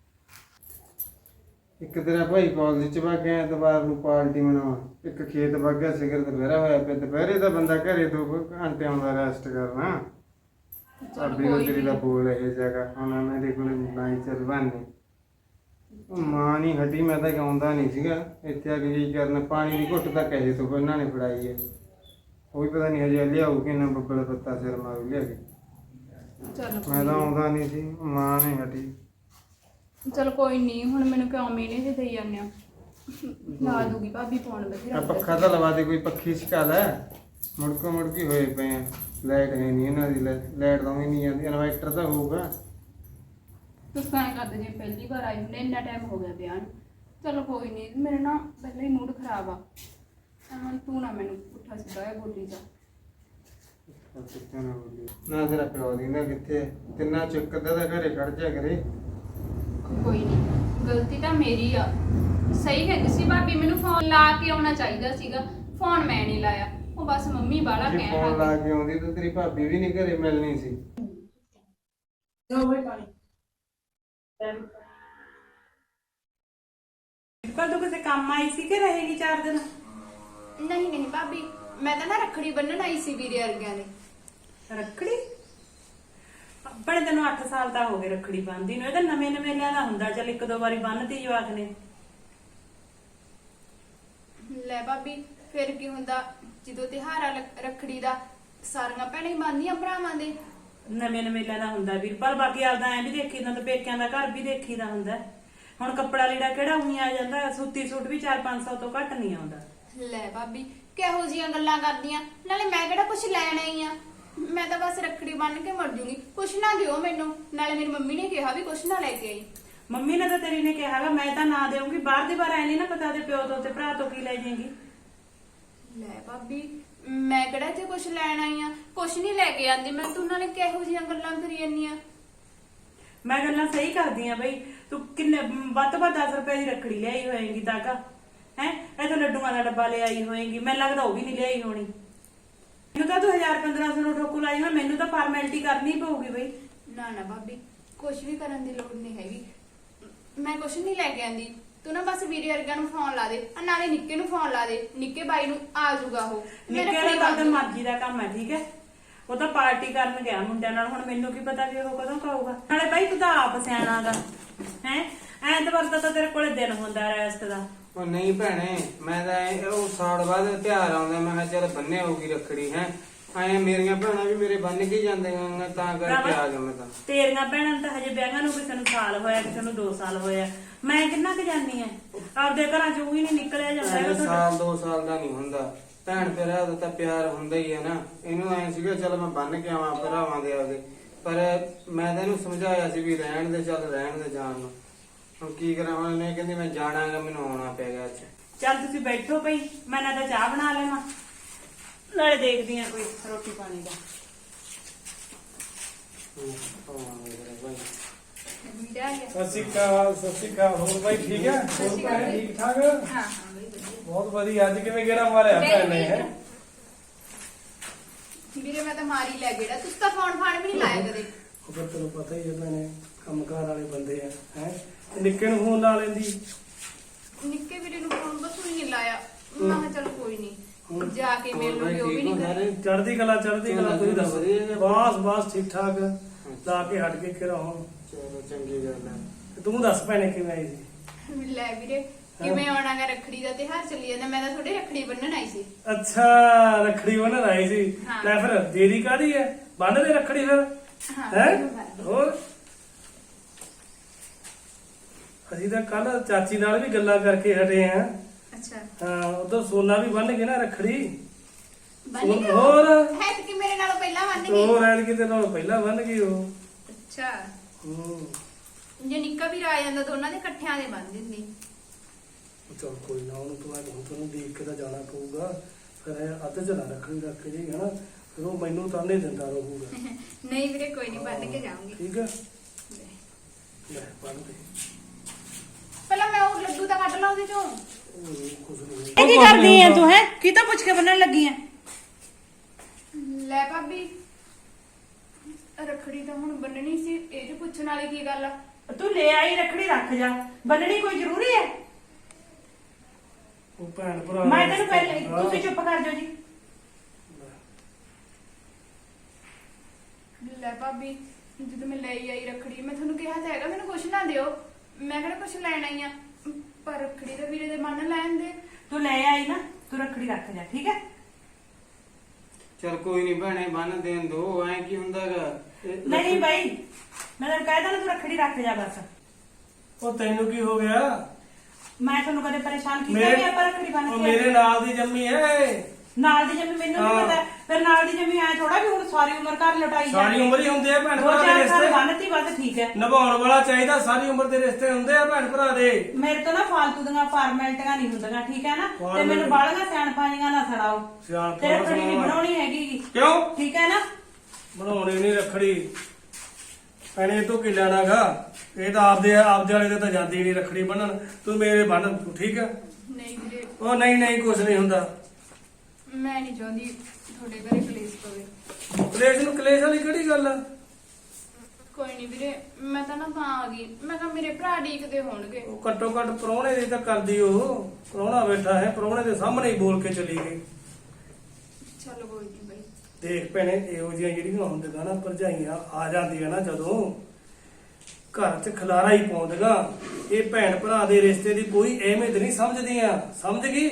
ਇੱਕ ਤੇਰਾ ਭਾਈ ਕਾਲਜ ਚ ਵਗ ਗਿਆ ਐਤਵਾਰ ਨੂੰ ਪਾਰਟੀ ਮਨਾਉਣ। ਇੱਕ ਖੇਤ ਵਗ ਗਿਆ ਸਿਗਰ ਦੁਪਹਿਰਾ ਹੋਇਆ ਪਿਆ। ਦੁਪਹਿਰੇ ਤਾਂ ਬੰਦਾ ਘਰੇ ਦੋ ਘੰਟੇ ਆਉਂਦਾ ਰੈਸਟ ਕਰਨਾ। ਭਾਬੀ ਨੂੰ ਤੇਰੀ ਦਾ ਬੋਲ ਇਹ ਜਗ੍ਹਾ ਹੁਣ ਮੇਰੇ ਕੋਲ ਨਹੀਂ ਚੱਲ ਬਾਨੇ। ਉਹ ਮਾਂ ਨਹੀਂ ਹਟੀ। ਮੈਂ ਤਾਂ ਆਉਂਦਾ ਨਹੀਂ ਸੀਗਾ ਇੱਥੇ ਆ ਕੇ ਕੀ ਕਰਨ। ਪਾਣੀ ਦੀ ਘੁੱਟ ਤਾਂ ਕਹੇ ਤੋਂ ਇਹਨਾਂ ਨੇ ਫੜਾਈ ਹੈ। ਉਹ ਵੀ ਪਤਾ ਨਹੀਂ ਹਜੇ ਲਿਆਊ ਕਿ ਨਾ ਬੱਬਲ ਪੱਤਾ ਸਿਰ ਮਾਰ ਲਿਆ ਕੇ। ਮੈਂ ਤਾਂ ਆਉਂਦਾ ਨਹੀਂ ਸੀ ਮਾਂ ਨੇ ਹਟੀ।
ਚਲ ਕੋਈ ਨਹੀਂ, ਹੁਣ ਮੈਨੂੰ ਕਿਉਂ ਮੀਨੇ ਜੇ ਦੇਈ ਜਾਂਦੇ ਆ। ਲਾ ਦੂਗੀ ਭਾਬੀ ਫੋਨ
ਆ ਪੱਖਾ ਤਾਂ ਲਵਾ ਦੇ ਕੋਈ ਪੱਖੀ ਸਿਕਾ ਲੈ। ਮੁੜਕੋ ਮੁੜਕੀ ਹੋਏ ਪਏ ਆ। ਲਾਈਟ ਹੈ ਨਹੀਂ ਇਹਨਾਂ ਦੀ। ਲਾਈਟ ਤਾਂ ਵੀ ਨਹੀਂ ਜਾਂਦੀ। ਇਨਵਰਟਰ ਤਾਂ ਹੋਊਗਾ।
ਤੁਸੀਂ ਤਾਂ ਐਂ ਕਰਦੇ ਜੇ ਪਹਿਲੀ ਵਾਰ ਆਈ ਹੁੰਦੇ ਇੰਨਾ ਟਾਈਮ ਹੋ ਗਿਆ ਵਿਆਹ ਨੂੰ। ਚਲੋ ਕੋਈ ਨਹੀਂ, ਮੇਰੇ ਨਾ ਪਹਿਲਾਂ ਹੀ ਮੂਡ ਖਰਾਬ ਆ। ਹੁਣ ਤੂੰ ਨਾ ਮੈਨੂੰ ਪੁੱਠਾ ਸਿੱਧਾ ਇਹ ਬੋਲੀ ਜਾ।
ਨਾ ਤੇਰਾ ਪਿਓ ਦੀ ਨਾ ਕਿੱਥੇ ਤਿੰਨਾ ਚੁੱਕਦਾ ਤਾਂ ਘਰੇ ਖੜ ਜਾ ਕਰੇ।
ਕੋਈ ਨਹੀਂ, ਗਲਤੀ ਤਾਂ ਮੇਰੀ ਆ। ਸਹੀ ਕਹਿੰਦੀ ਸੀ ਭਾਬੀ, ਮੈਨੂੰ ਫੋਨ ਲਾ ਕੇ ਆਉਣਾ ਚਾਹੀਦਾ ਸੀਗਾ। ਫੋਨ ਮੈਂ ਨਹੀਂ ਲਾਇਆ, ਉਹ ਬਸ ਮੰਮੀ ਬਾਲਾ
ਜੇ
ਕਹਿਣ
ਫੋਨ
ਲੱਗ
ਲਾ ਕੇ ਆਉਂਦੀ ਤਾਂ ਤੇਰੀ ਭਾਬੀ ਵੀ ਨਹੀਂ ਘਰੇ ਮਿਲਣੀ ਸੀ।
ਕੱਲ ਤੂੰ ਕਿਸੇ ਕੰਮ ਆਈ ਸੀ ਕਿ ਰਹੇਗੀ ਚਾਰ ਦਿਨ?
ਨਹੀਂ ਨਹੀਂ ਭਾਬੀ, ਮੈਂ ਤਾਂ ਨਾ ਰੱਖੜੀ ਬੰਨਣ ਆਈ ਸੀ ਵੀਰੇ ਵਰਗਿਆਂ ਦੇ।
ਰੱਖੜੀ? ਆਪਣੇ ਤੈਨੂੰ ਅੱਠ ਸਾਲ ਤਾਂ ਹੋ ਗਏ ਰੱਖੜੀ ਬੰਨ੍ਹਦੀ ਨੂੰ। ਇਹ ਤਾਂ ਨਵੇਂ ਨਵੇਂ ਲਿਆਦਾ ਹੁੰਦਾ। ਚੱਲ ਇੱਕ ਦੋ ਵਾਰੀ ਬੰਨ੍ਹਤੀ ਜਵਾਕ ਨੇ।
ਲੈ ਭਾਬੀ ਫਿਰ ਕੀ ਹੁੰਦਾ, ਜਦੋਂ ਤਿਉਹਾਰ ਆ ਰੱਖੜੀ ਦਾ ਸਾਰੀਆਂ ਭੈਣਾਂ ਹੀ ਬੰਨ੍ਹਦੀਆਂ ਭਰਾਵਾਂ ਦੇ।
ਨਵੇਂ ਨਵੇਂ ਲਿਆਦਾ ਹੁੰਦਾ ਵੀਰ। ਪਰ ਬਾਕੀ ਆਪਦਾ ਐ ਵੀ ਦੇਖੀਦਾ ਤਾਂ ਪੇਕਿਆਂ ਦਾ ਘਰ ਵੀ ਦੇਖੀਦਾ ਹੁੰਦਾ। ਹੁਣ ਕੱਪੜਾ ਲੀੜਾ ਕਿਹੜਾ ਉਹੀ ਆ ਜਾਂਦਾ। ਸੂਤੀ ਸੂਟ ਵੀ ਚਾਰ ਪੰਜ ਸੌ ਤੋਂ ਘੱਟ ਨਹੀਂ ਆਉਂਦਾ।
ਲੈ ਭਾਬੀ ਕਿਹੋ ਜੀਆਂ ਗੱਲਾਂ ਕਰਦੀਆਂ। ਨਾਲੇ ਮੈਂ ਕਿਹੜਾ ਕੁਛ ਲੈਣਾ ਹੀ ਆ। ਮੈਂ ਤਾਂ ਬਸ ਰੱਖੜੀ ਬੰਨ ਕੇ ਮਰ ਜੂਗੀ। ਕੁਛ ਨਾ ਦਿਓ ਮੈਨੂੰ। ਨਾਲੇ ਮੇਰੀ ਮੰਮੀ ਨੇ ਕਿਹਾ ਵੀ ਕੁਛ ਨਾ ਲੈ ਕੇ ਆਈ।
ਮੰਮੀ ਨੇ ਤਾਂ ਤੇਰੀ ਨੇ ਕਿਹਾਗਾ ਮੈਂ ਤਾਂ ਨਾ ਦੇਵਾਂਗੀ। ਬਾਹਰ ਦੀ ਬਾਰ ਐ ਨਹੀਂ ਨਾ ਪਤਾ ਉਹਦੇ ਪਿਓ ਤੋਂ ਤੇ ਭਰਾ ਤੋਂ ਕੀ ਲੈ ਜਾਏਗੀ।
ਲੈ ਭਾਬੀ ਮੈਂ ਕਿਹੜਾ ਜੇ ਕੁਝ ਲੈਣ ਆਈ ਆ, ਕੁਝ ਨਹੀਂ ਲੈ ਕੇ ਆਂਦੀ ਮੈਂ। ਤੂੰ ਨਾਲੇ ਕਿਹੋ ਜਿਹੀਆਂ ਗੱਲਾਂ ਕਰੀ ਜਾਂਦੀ ਆ?
ਮੈਂ ਗੱਲਾਂ ਸਹੀ ਕਰਦੀ ਆ ਬਈ। ਤੂੰ ਕਿੰਨੇ ਵੱਧ ਤੋਂ ਵੱਧ ਦਸ ਰੁਪਏ ਦੀ ਰੱਖੜੀ ਲਿਆਈ ਹੋਏਗੀ ਤਾਕਾ ਹੈ। ਇਹ ਤਾਂ ਲੱਡੂਆਂ ਦਾ ਡੱਬਾ ਲਿਆਈ ਹੋਏਗੀ, ਮੈਨੂੰ ਲੱਗਦਾ ਉਹ ਵੀ ਨਹੀਂ ਲਿਆਈ ਹੋਣੀ। ਮੈਨੂੰ ਤਾਂ ਤੂੰ ਹਜ਼ਾਰ ਪੰਦਰਾਂ ਸੌ ਨੂੰ ਠੋਕੂ ਲਾਈ ਹੋਣਾ, ਮੈਨੂੰ ਤਾਂ ਫਾਰਮੈਲਿਟੀ ਕਰਨੀ ਪਊਗੀ ਬਈ।
ਨਾ ਨਾ ਭਾਬੀ, ਕੁਝ ਵੀ ਕਰਨ ਦੀ ਲੋੜ ਨਹੀਂ ਹੈਗੀ। ਮੈਂ ਕੁਝ ਨਹੀਂ ਲੈ ਕੇ ਆਂਦੀ। ਤੂੰ ਨਾ ਬਸ ਵੀਰੇ ਵਰਗਾ ਨੂੰ ਫੋਨ ਲਾ ਦੇ, ਆ ਨਾਲੇ ਨਿੱਕੇ ਨੂੰ ਫੋਨ ਲਾ ਦੇ। ਨਿੱਕੇ ਬਾਈ ਨੂੰ ਆ ਜਾਊਗਾ ਉਹ।
ਨਿੱਕੇ ਦਾ ਤਾਂ ਮਰਜ਼ੀ ਦਾ ਕੰਮ ਹੈ, ਠੀਕ ਹੈ। ਉਹ ਤਾਂ ਪਾਰਟੀ ਕਰਨ ਗਿਆ ਮੁੰਡਿਆਂ ਨਾਲ, ਹੁਣ ਮੈਨੂੰ ਕੀ ਪਤਾ ਵੀ ਉਹ ਕਦੋਂ ਖਾਊਗਾ। ਨਾਲੇ ਬਾਈ ਤੂੰ ਤਾਂ ਆਪ ਸਿਆਣਾ ਗਾ ਹੈ। ਐਤਵਾਰ ਦਾ ਤਾਂ ਤੇਰੇ ਕੋਲੇ ਦਿਨ ਹੁੰਦਾ ਰੈਸਟ ਦਾ।
ਉਹ ਨਹੀਂ ਭੈਣੇ, ਮੈਂ ਤਾਂ ਐਂ- ਉਹ ਸਾਲ ਬਾਅਦ ਤਿਉਹਾਰ ਆਉਂਦਾ, ਮੈਂ ਕਿਹਾ ਚੱਲ ਬੰਨੇ ਹੋਊਗੀ ਰੱਖੜੀ ਹੈ। ਐ ਮੇਰੀਆਂ ਭੈਣਾਂ ਵੀ ਮੇਰੇ ਬੰਨ ਕੇ ਜਾਂਦੀਆਂ, ਤਾਂ ਕਰਕੇ ਆ ਗਿਆ ਮੈਂ ਤਾਂ।
ਤੇਰੀਆਂ ਭੈਣਾਂ ਨੂੰ ਤਾਂ ਹਜੇ ਵਿਆਹਾਂ ਨੂੰ ਕਿਸੇ ਨੂੰ ਸਾਲ ਹੋਇਆ, ਕਿਸੇ ਨੂੰ ਦੋ ਸਾਲ ਹੋਇਆ। ਮੈਂ ਕਿੰਨਾ ਕੁ ਜਾਨੀ ਐ, ਆਪਦੇ ਘਰਾਂ ਚੋਂ ਵੀ ਨਹੀਂ ਨਿਕਲਿਆ ਜਾਂਦਾ ਹੈਗਾ
ਐਂ
ਤੁਹਾਡਾ।
ਸਾਲ ਦੋ ਸਾਲ ਦਾ ਨਹੀਂ ਹੁੰਦਾ, ਭੈਣ ਭਰਾ ਦਾ ਤਾਂ ਪਿਆਰ ਹੁੰਦਾ ਹੀ ਹੈ ਨਾ। ਇਹਨੂੰ ਐ ਸੀਗਾ ਚੱਲ ਮੈਂ ਬੰਨ ਕੇ ਆਵਾਂ ਭਰਾਵਾਂ ਦੇ ਆਪਦੇ, ਪਰ ਮੈਂ ਤਾਂ ਇਹਨੂੰ ਸਮਝਾਇਆ ਸੀ ਵੀ ਰਹਿਣ ਦੇ, ਚੱਲ ਰਹਿਣ ਦੇ ਜਾਣ ਨੂੰ। ਹੁਣ ਕੀ ਕਰਾਂ, ਹੁਣ ਇਹਨੇ ਕਹਿੰਦੀ ਮੈਂ ਜਾਣਾਗਾ, ਮੈਨੂੰ ਆਉਣਾ ਪੈ ਗਿਆ ਅੱਜ।
ਚੱਲ ਤੁਸੀਂ ਬੈਠੋ ਪਈ, ਮੈਂ ਨਾ ਤਾਂ ਚਾਹ ਬਣਾ ਲੈਵਾਂ, ਨਾਲੇ ਦੇਖਦੀ ਆ ਕੋਈ ਰੋਟੀ ਪਾਣੀ ਦਾ।
ਵੀਰੇ ਆ ਗਿਆ।
ਸਤਿ ਸ਼੍ਰੀ ਅਕਾਲ। ਸਤਿ ਸ਼੍ਰੀ ਅਕਾਲ। ਹੋਰ ਬਾਈ ਠੀਕ ਹੈ? ਹੋਰ ਭੈਣ ਠੀਕ ਠਾਕ?
ਹਾਂ ਹਾਂ ਬਈ ਵਧੀਆ।
ਬਹੁਤ ਵਧੀਆ। ਅੱਜ ਕਿਵੇਂ ਗੇੜਾ ਮਾਰਿਆ ਭੈਣ ਨੇ ਹੈ?
ਵੀਰੇ ਮੈਂ ਤਾਂ ਮਾਰੀ ਲੈ ਗੇੜਾ, ਤੁਸੀਂ ਤਾਂ ਫੋਨ ਫਾਨ ਵੀ ਨਹੀਂ ਲਾਇਆ ਕਦੇ।
ਉਹ ਫਿਰ ਤੈਨੂੰ ਪਤਾ ਹੀ ਹੈ ਭੈਣੇ, ਕੰਮਕਾਰ ਵਾਲੇ ਬੰਦੇ ਆ ਹੈ। ਨਿੱਕੇ ਨੂੰ ਫੋਨ ਲਾ ਲੈਂਦੀ।
ਨਿੱਕੇ ਵੀਰੇ ਨੂੰ ਫੋਨ ਬਸ ਨਹੀਂ ਲਾਇਆ। ਮੈਂ ਕਿਹਾ ਚੱਲ ਕੋਈ ਨਹੀਂ, ਜਾ ਕੇ ਮਿਲ ਲੂਗੀ, ਉਹ ਵੀ ਨਹੀਂ ਕਰੇ।
ਚੜ੍ਹਦੀ ਕਲਾ ਚੜ੍ਹਦੀ ਕਲਾ। ਤੁਸੀਂ ਦੱਸੋ? ਬਸ ਬਸ ਠੀਕ ਠਾਕ। ਲਾ ਕੇ ਹਟ ਕੇ ਕਿਰਾ ਹੁਣ।
ਚਲੋ ਚੰਗੀ ਗੱਲ ਹੈ।
ਤੂੰ ਦੱਸ ਭੈਣੇ ਕਿਵੇਂ ਆਈ ਸੀ?
ਲੈ ਵੀਰੇ ਕਿਵੇਂ ਆਉਣਾਗਾ, ਰੱਖੜੀ ਦਾ ਤਿਉਹਾਰ ਚੱਲੀ ਜਾਂਦਾ। ਮੈਂ ਤਾਂ ਤੁਹਾਡੇ ਰੱਖੜੀ ਬੰਨਣ ਆਈ ਸੀ।
ਅੱਛਾ, ਰੱਖੜੀ ਬੰਨਣ ਆਈ ਸੀ।
ਹਾਂ।
ਲੈ ਫਿਰ ਦੇਰੀ ਕਾਦੀ ਹੈ? ਬੰਨ ਦੇ ਰੱਖੜੀ ਫਿਰ
ਹਾਂ
ਹੈ।
ਬੰਨ ਦਿਓ।
ਹੋਰ ਅਸੀਂ ਤਾਂ ਕੱਲ ਚਾਚੀ ਨਾਲ ਵੀ ਗੱਲਾਂ ਕਰਕੇ ਹਟੇ ਆ।
ਅੱਛਾ
ਹਾਂ, ਉਧਰ ਸੋਨਾ ਵੀ ਬੰਨ ਕੇ ਨਾ ਰੱਖੜੀ।
ਬੰਨ ਗਈ ਉਹ?
ਹੋਰ
ਹੈ ਤੇ ਕਿ ਮੇਰੇ ਨਾਲੋਂ ਪਹਿਲਾਂ ਬੰਨ ਗਈ।
ਹੋਰ ਐਲ ਕਿਤੇ ਨਾਲ ਪਹਿਲਾਂ ਬੰਨ ਗਈ ਉਹ।
ਅੱਛਾ,
ਹੂੰ।
ਜੇ ਨਿੱਕਾ ਵੀ ਆ ਜਾਂਦਾ ਦੋਨਾਂ ਦੇ ਇਕੱਠਿਆਂ ਦੇ ਬੰਨ ਦਿੰਦੀ।
ਚਲ ਕੋਈ ਨਾ, ਉਹਨੂੰ ਤੂੰ ਅੱਜ ਹੁਣ ਤੈਨੂੰ ਦੇਖ ਕੇ ਤਾਂ ਜਾਣਾ ਪਊਗਾ। ਫਿਰ ਇਹ ਅੱਧ ਚ ਨਾ ਰੱਖੜੀ ਰੱਖ ਕੇ ਜੀ ਹਨਾ, ਫਿਰ ਉਹ ਮੈਨੂੰ ਤਾਂ ਨਹੀਂ ਦਿੰਦਾ ਰਹੂਗਾ।
ਨਹੀਂ ਵੀਰੇ ਕੋਈ ਨਹੀਂ, ਬੰਨ ਕੇ ਜਾਊਂਗੀ।
ਠੀਕ ਹੈ, ਲੈ ਬੰਨ ਦੇ।
ਪਹਿਲਾਂ ਮੈਂ ਉਹ ਲੱਡੂ ਤਾਂ ਕੱਢ ਲਾ ਉਹਦੇ ਚੋਂ।
ਉਹ ਕੁਝ ਨਹੀਂ।
ਇਹ ਕੀ ਕਰਦੀ ਐ ਤੂੰ ਹੈ? ਕੀ ਤਾਂ ਪੁੱਛ ਕੇ ਬੰਨਣ ਲੱਗੀ ਐ?
ਲੈ ਭਾਬੀ, ਰੱਖੜੀ ਤਾਂ ਹੁਣ ਬੰਨਣੀ ਸੀ, ਇਹ ਜੋ ਪੁੱਛਣ ਵਾਲੀ ਕੀ ਗੱਲ ਆ?
ਤੂੰ ਲੈ ਆਈ ਰੱਖੜੀ, ਰੱਖ ਜਾ। ਬੰਨਣੀ ਕੋਈ ਜ਼ਰੂਰੀ ਹੈ?
ਉਹ ਭੈਣ ਭਰਾ
ਮੈਂ ਤੈਨੂੰ ਪਹਿਲੇ, ਤੁਸੀਂ ਚੁੱਪ ਕਰ ਜਾਓ ਜੀ।
ਲੈ ਭਾਬੀ, ਜਦੋਂ ਮੈਂ ਲਈ ਆਈ ਰੱਖੜੀ, ਮੈਂ ਤੁਹਾਨੂੰ ਕਿਹਾ ਤਾਂ ਹੈਗਾ ਮੈਨੂੰ ਕੁਛ ਨਾ ਦਿਓ। ਮੈਂ ਕਿਹੜਾ ਕੁਛ ਲੈਣ ਆਈ ਆ, ਪਰ ਰੱਖੜੀ ਤਾਂ ਵੀਰੇ ਦੇ ਬੰਨ ਲੈਣ ਦੇ।
ਤੂੰ ਲੈ ਆਈ ਨਾ, ਤੂੰ ਰੱਖੜੀ ਰੱਖ ਜਾ, ਠੀਕ ਹੈ।
ਚਲ ਕੋਈ ਨਹੀਂ ਭੈਣੇ, ਬੰਨ ਦੇਣ ਦੋ, ਐ ਕੀ ਹੁੰਦਾਗਾ।
ਨਹੀਂ ਬਾਈ, ਮੈਂ ਤੈਨੂੰ ਕਹਿ ਦਾਂ ਤੂੰ ਰੱਖੜੀ ਰੱਖ ਜਾ ਬਸ।
ਉਹ ਤੈਨੂੰ ਕੀ ਹੋ ਗਿਆ?
ਮੈਂ ਤੁਹਾਨੂੰ ਕਦੇ ਪਰੇਸ਼ਾਨ ਕੀਤਾ
ਮੇਰੇ-
ਵੀ ਆਪਾਂ ਰੱਖੜੀ ਬੰਨ
ਉਹ
ਕੇ
ਮੇਰੇ ਨਾਲ ਦੀ ਜੰਮੀ ਹੈ।
ਨਾਲ ਦੀ ਜੰਮੀ ਮੈਨੂੰ ਨਹੀਂ
ਹਾਂ।
ਪਤਾ। ਫਿਰ ਨਾਲ ਦੀ ਜੰਮੀ ਐ ਥੋੜਾ ਵੀ ਹੁਣ ਸਾਰੀ ਉਮਰ ਘਰ ਲਟਾਈ
ਸਾਰੀ ਉਮਰ ਹੀ ਹੁੰਦੇ ਆ ਭੈਣ
ਦੋ
ਭਰਾ ਦੇ
ਚਾਰ ਸਾਲ
ਰਿਸ਼ਤੇ।
ਬੰਨਤੀ ਬਸ, ਠੀਕ ਹੈ।
ਨਿਭਾਉਣ ਵਾਲਾ ਚਾਹੀਦਾ, ਸਾਰੀ ਉਮਰ ਦੇ ਰਿਸ਼ਤੇ ਹੁੰਦੇ ਆ ਭੈਣ ਭਰਾ ਦੇ।
ਮੇਰੇ ਤੋਂ ਨਾ ਫਾਲਤੂ ਦੀਆਂ ਫਾਰਮੈਲਿਟੀਆਂ ਨਹੀਂ ਹੁੰਦੀਆਂ, ਠੀਕ ਹੈ ਨਾ। ਤੇ
Formality-
ਮੈਨੂੰ ਬਾਲੀਆਂ ਸਿਆਣਪਾਂ ਨਾ ਛੜਾਓ।
ਸਿਆਣਪਾਂ
ਤੇ ਰੱਖੜੀ ਨਹੀਂ
ਸੁਣਾਉਣਾ।
ਬਣਾਉਣੀ ਹੈਗੀ,
ਕਿਉਂ?
ਠੀਕ ਹੈ ਨਾ।
ਬਣਾਉਣੀ ਨਹੀਂ ਰੱਖੜੀ ਭੈਣੇ, ਇਹ ਤੋਂ ਕੀ ਲੈਣਾਗਾ? ਇਹ ਤਾਂ ਆਪਦੇ ਆਪਦੇ ਵਾਲੇ ਦੇ ਤਾਂ ਜਾਂਦੀ ਨਹੀਂ ਰੱਖੜੀ ਬੰਨਣ। ਤੂੰ ਮੇਰੇ ਬੰਨ, ਠੀਕ ਹੈ।
ਨਹੀਂ ਵੀਰੇ,
ਉਹ ਨਹੀਂ ਨਹੀਂ, ਕੁਝ ਨਹੀਂ ਹੁੰਦਾ।
ਮੈਂ ਨਹੀਂ ਚਾਹੁੰਦੀ ਤੁਹਾਡੇ ਘਰੇ ਕਲੇਸ਼ ਪਵੇ।
ਕਲੇਸ਼ ਨੂੰ ਕਲੇਸ਼ ਵਾਲੀ ਕਿਹੜੀ ਗੱਲ ਆ?
ਕੋਈ ਨਹੀਂ ਵੀਰੇ, ਮੈਂ ਤਾਂ ਨਾ ਤਾਂ ਆ ਗਈ। ਮੈਂ ਕਿਹਾ ਮੇਰੇ ਭਰਾ ਡੀਕਦੇ ਹੋਣਗੇ।
ਉਹ ਘੱਟੋ ਘੱਟ ਪ੍ਰਾਹੁਣੇ ਦੀ ਤਾਂ ਕਰਦੀ। ਉਹ ਪ੍ਰਾਹੁਣਾ ਬੈਠਾ ਹੈ, ਪ੍ਰਾਹੁਣੇ ਦੇ ਸਾਹਮਣੇ ਹੀ ਬੋਲ ਕੇ ਚਲੀ ਗਈ।
ਚਲੋ ਕੋਈ ਨਹੀਂ ਬਾਈ।
ਦੇਖ ਭੈਣੇ, ਇਹੋ ਜਿਹੀਆਂ ਜਿਹੜੀਆਂ ਹੁੰਦੀਆਂ ਨਾ ਭਰਜਾਈਆਂ ਆ ਜਾਂਦੀਆਂ ਨਾ ਜਦੋਂ, ਘਰ 'ਚ ਖਲਾਰਾ ਹੀ ਪਾਉਂਦੀਆਂ। ਇਹ ਭੈਣ ਭਰਾ ਦੇ ਰਿਸ਼ਤੇ ਦੀ ਕੋਈ ਅਹਿਮੀਅਤ ਨਹੀਂ ਸਮਝਦੀਆਂ। ਸਮਝ ਗਈ?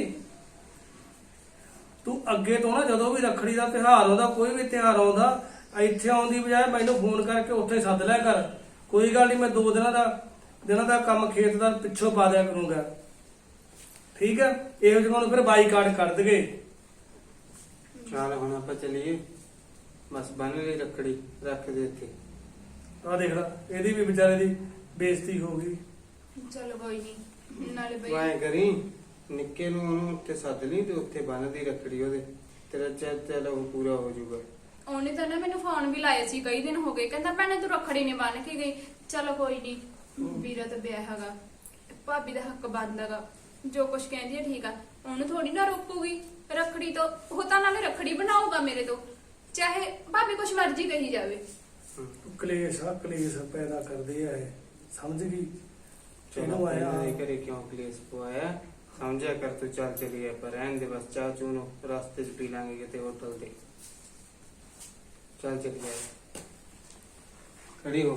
ਤੂੰ ਅੱਗੇ ਤੋਂ ਨਾ ਜਦੋਂ ਵੀ ਰੱਖੜੀ ਦਾ ਤਿਉਹਾਰ ਆਉਂਦਾ, ਕੋਈ ਵੀ ਤਿਉਹਾਰ ਆਉਂਦਾ, ਇੱਥੇ ਆਉਣ ਦੀ ਬਜਾਏ ਮੈਨੂੰ ਫੋਨ ਕਰਕੇ ਉੱਥੇ ਸੱਦ ਲਿਆ ਕਰ। ਕੋਈ ਗੱਲ ਨਹੀਂ, ਮੈਂ ਦੋ ਦਿਨਾਂ ਦਾ ਦਿਨਾਂ ਦਾ ਕੰਮ ਖੇਤ ਦਾ ਪਿੱਛੋਂ ਪਾ ਦਿਆ ਕਰੂੰਗਾ, ਠੀਕ ਹੈ। ਇਹੋ ਜਿਹਾ ਨੂੰ ਫਿਰ ਬਾਈਕਾਟ ਕਰ ਦਗੇ।
ਚੱਲ ਹੁਣ ਆਪਾਂ ਚੱਲੀਏ, ਬਸ ਬੰਨ ਲਈ ਰੱਖੜੀ, ਰੱਖ ਦੇ ਇੱਥੇ।
ਆਹ ਦੇਖ ਲੈ, ਇਹਦੀ ਵੀ ਵਿਚਾਰੇ ਦੀ ਬੇਇੱਜ਼ਤੀ ਹੋ ਗਈ।
ਚਲੋ ਕੋਈ ਨਹੀਂ, ਨਾਲੇ
ਤੂੰ
ਬਾਈ
ਐਂ ਕਰੀ, ਨਿੱਕੇ ਨੂੰ ਉਹਨੂੰ ਉੱਥੇ ਸੱਦ ਲਈ ਤੇ ਉੱਥੇ ਬੰਨਦੀ ਰੱਖੜੀ ਉਹਦੇ। ਤੇਰਾ ਚਾਚਾ ਲਹੂ ਪੂਰਾ ਹੋ ਜਾਊਗਾ।
ਉਹਨੇ ਤਾਂ ਨਾ ਮੈਨੂੰ ਫੋਨ ਵੀ ਲਾਇਆ ਸੀ ਕਈ ਦਿਨ ਹੋ ਗਏ, ਕਹਿੰਦਾ ਭੈਣੇ ਤੂੰ ਰੱਖੜੀ ਨਹੀਂ ਬੰਨ ਕੇ ਗਈ। ਚਲੋ ਕੋਈ ਨਹੀਂ, ਵੀਰਾ ਤਾਂ ਵਿਆਹ ਹੈਗਾ, ਭਾਬੀ ਦਾ ਹੱਕ ਬਣਦਾਗਾ, ਜੋ ਕੁਛ ਕਹਿੰਦੀ ਹੈ ਠੀਕ ਆ। ਉਹਨੂੰ ਥੋੜੀ ਨਾ ਰੋਕੂਗੀ ਰੱਖੜੀ ਤੋਂ, ਉਹ ਤਾਂ ਨਾਲੇ ਰੱਖੜੀ ਬਣਾਊਗਾ ਮੇਰੇ ਤੋਂ, ਚਾਹੇ ਭਾਬੀ ਕੁਛ ਮਰਜ਼ੀ ਕਹੀ ਜਾਵੇ।
ਕਲੇਸ਼ ਆ ਕਲੇਸ਼ ਪੈਦਾ ਕਰਦੇ ਆ ਇਹ, ਸਮਝ ਗਈ?
ਚਲੋ
ਚਲੋ ਆਇਆ
ਆਇਆ ਕਰੇ ਕਿਉਂ ਕਲੇਸ਼ ਪਵਾਇਆ, ਸਮਝਿਆ ਕਰ ਤੂੰ। ਚੱਲ ਚਲੀਏ ਪਰ ਰਹਿਣ ਦੇ ਬਸ, ਚਾਹ ਚੂਹ ਨੂੰ ਰਸਤੇ 'ਚ ਪੀ ਲਾਂਗੇ ਕਿਤੇ ਹੋਟਲ ਤੇ। ਚੱਲ ਚਲੀਏ, ਖੜੀ ਹੋ।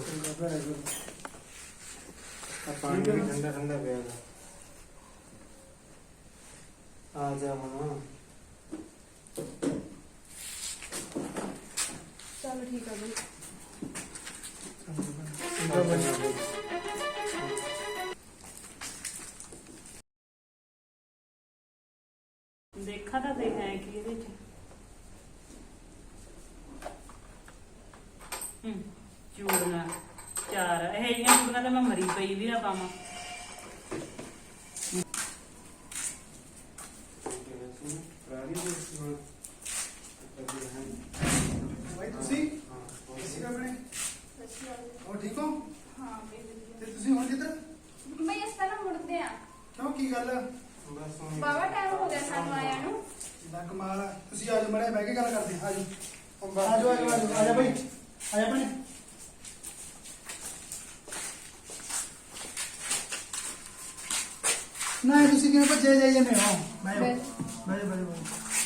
ਆ ਪਾਣੀ ਵੀ ਠੰਡਾ ਠੰਡਾ ਪਿਆ ਗਾ। ਆ ਜਾ ਹੁਣ।
ਚਲੋ ਠੀਕ ਆ ਬਈ।
ਦੇਖਾ ਤਾਂ ਦੇਖ ਹੈ ਕੀ ਇਹਦੇ ਚ। ਹੂੰ ਚੂੜੀਆਂ ਚਾਰ ਇਹ ਜਿਹੀਆਂ ਚੂੜੀਆਂ ਤਾਂ ਮੈਂ ਮਰੀ ਪਈ ਵੀ ਨਾ ਪਾਵਾਂ।
ਭਾਈ ਤੁਸੀਂ ਕਿਸੇ ਆਪਣੇ ਹੋਰ ਠੀਕ ਹੋ?
ਹਾਂ
ਤੇ ਤੁਸੀਂ ਹੁਣ ਕਿੱਧਰ?
ਬਈ ਇਸ ਤਰ੍ਹਾਂ ਮੁੜਦੇ ਆ,
ਕਿਉਂ ਕੀ ਗੱਲ?
ਬਸ ਹੁਣ
ਬਾਵਾ ਟਾਈਮ ਹੋ ਗਿਆ ਸਾਨੂੰ ਆਇਆ ਨੂੰ।
ਦਾ ਕਮਾਲ ਆ। ਤੁਸੀਂ ਆਜੋ ਮੜੇ ਬਹਿ ਕੇ ਗੱਲ ਕਰਦੇ ਹਾਂ। ਆਜੋ ਆਜੋ ਆਜੋ ਆਜੋ ਆਜਾ ਭਾਈ, ਆਜਾ ਭਾਈ। ਨਾ ਤੁਸੀਂ ਕਿਵੇਂ ਭੱਜੇ ਜਾਈ ਜਾਂਦੇ ਹੋ? ਮੈਂ ਮੈਂ ਮੈਂ ਮੈਂ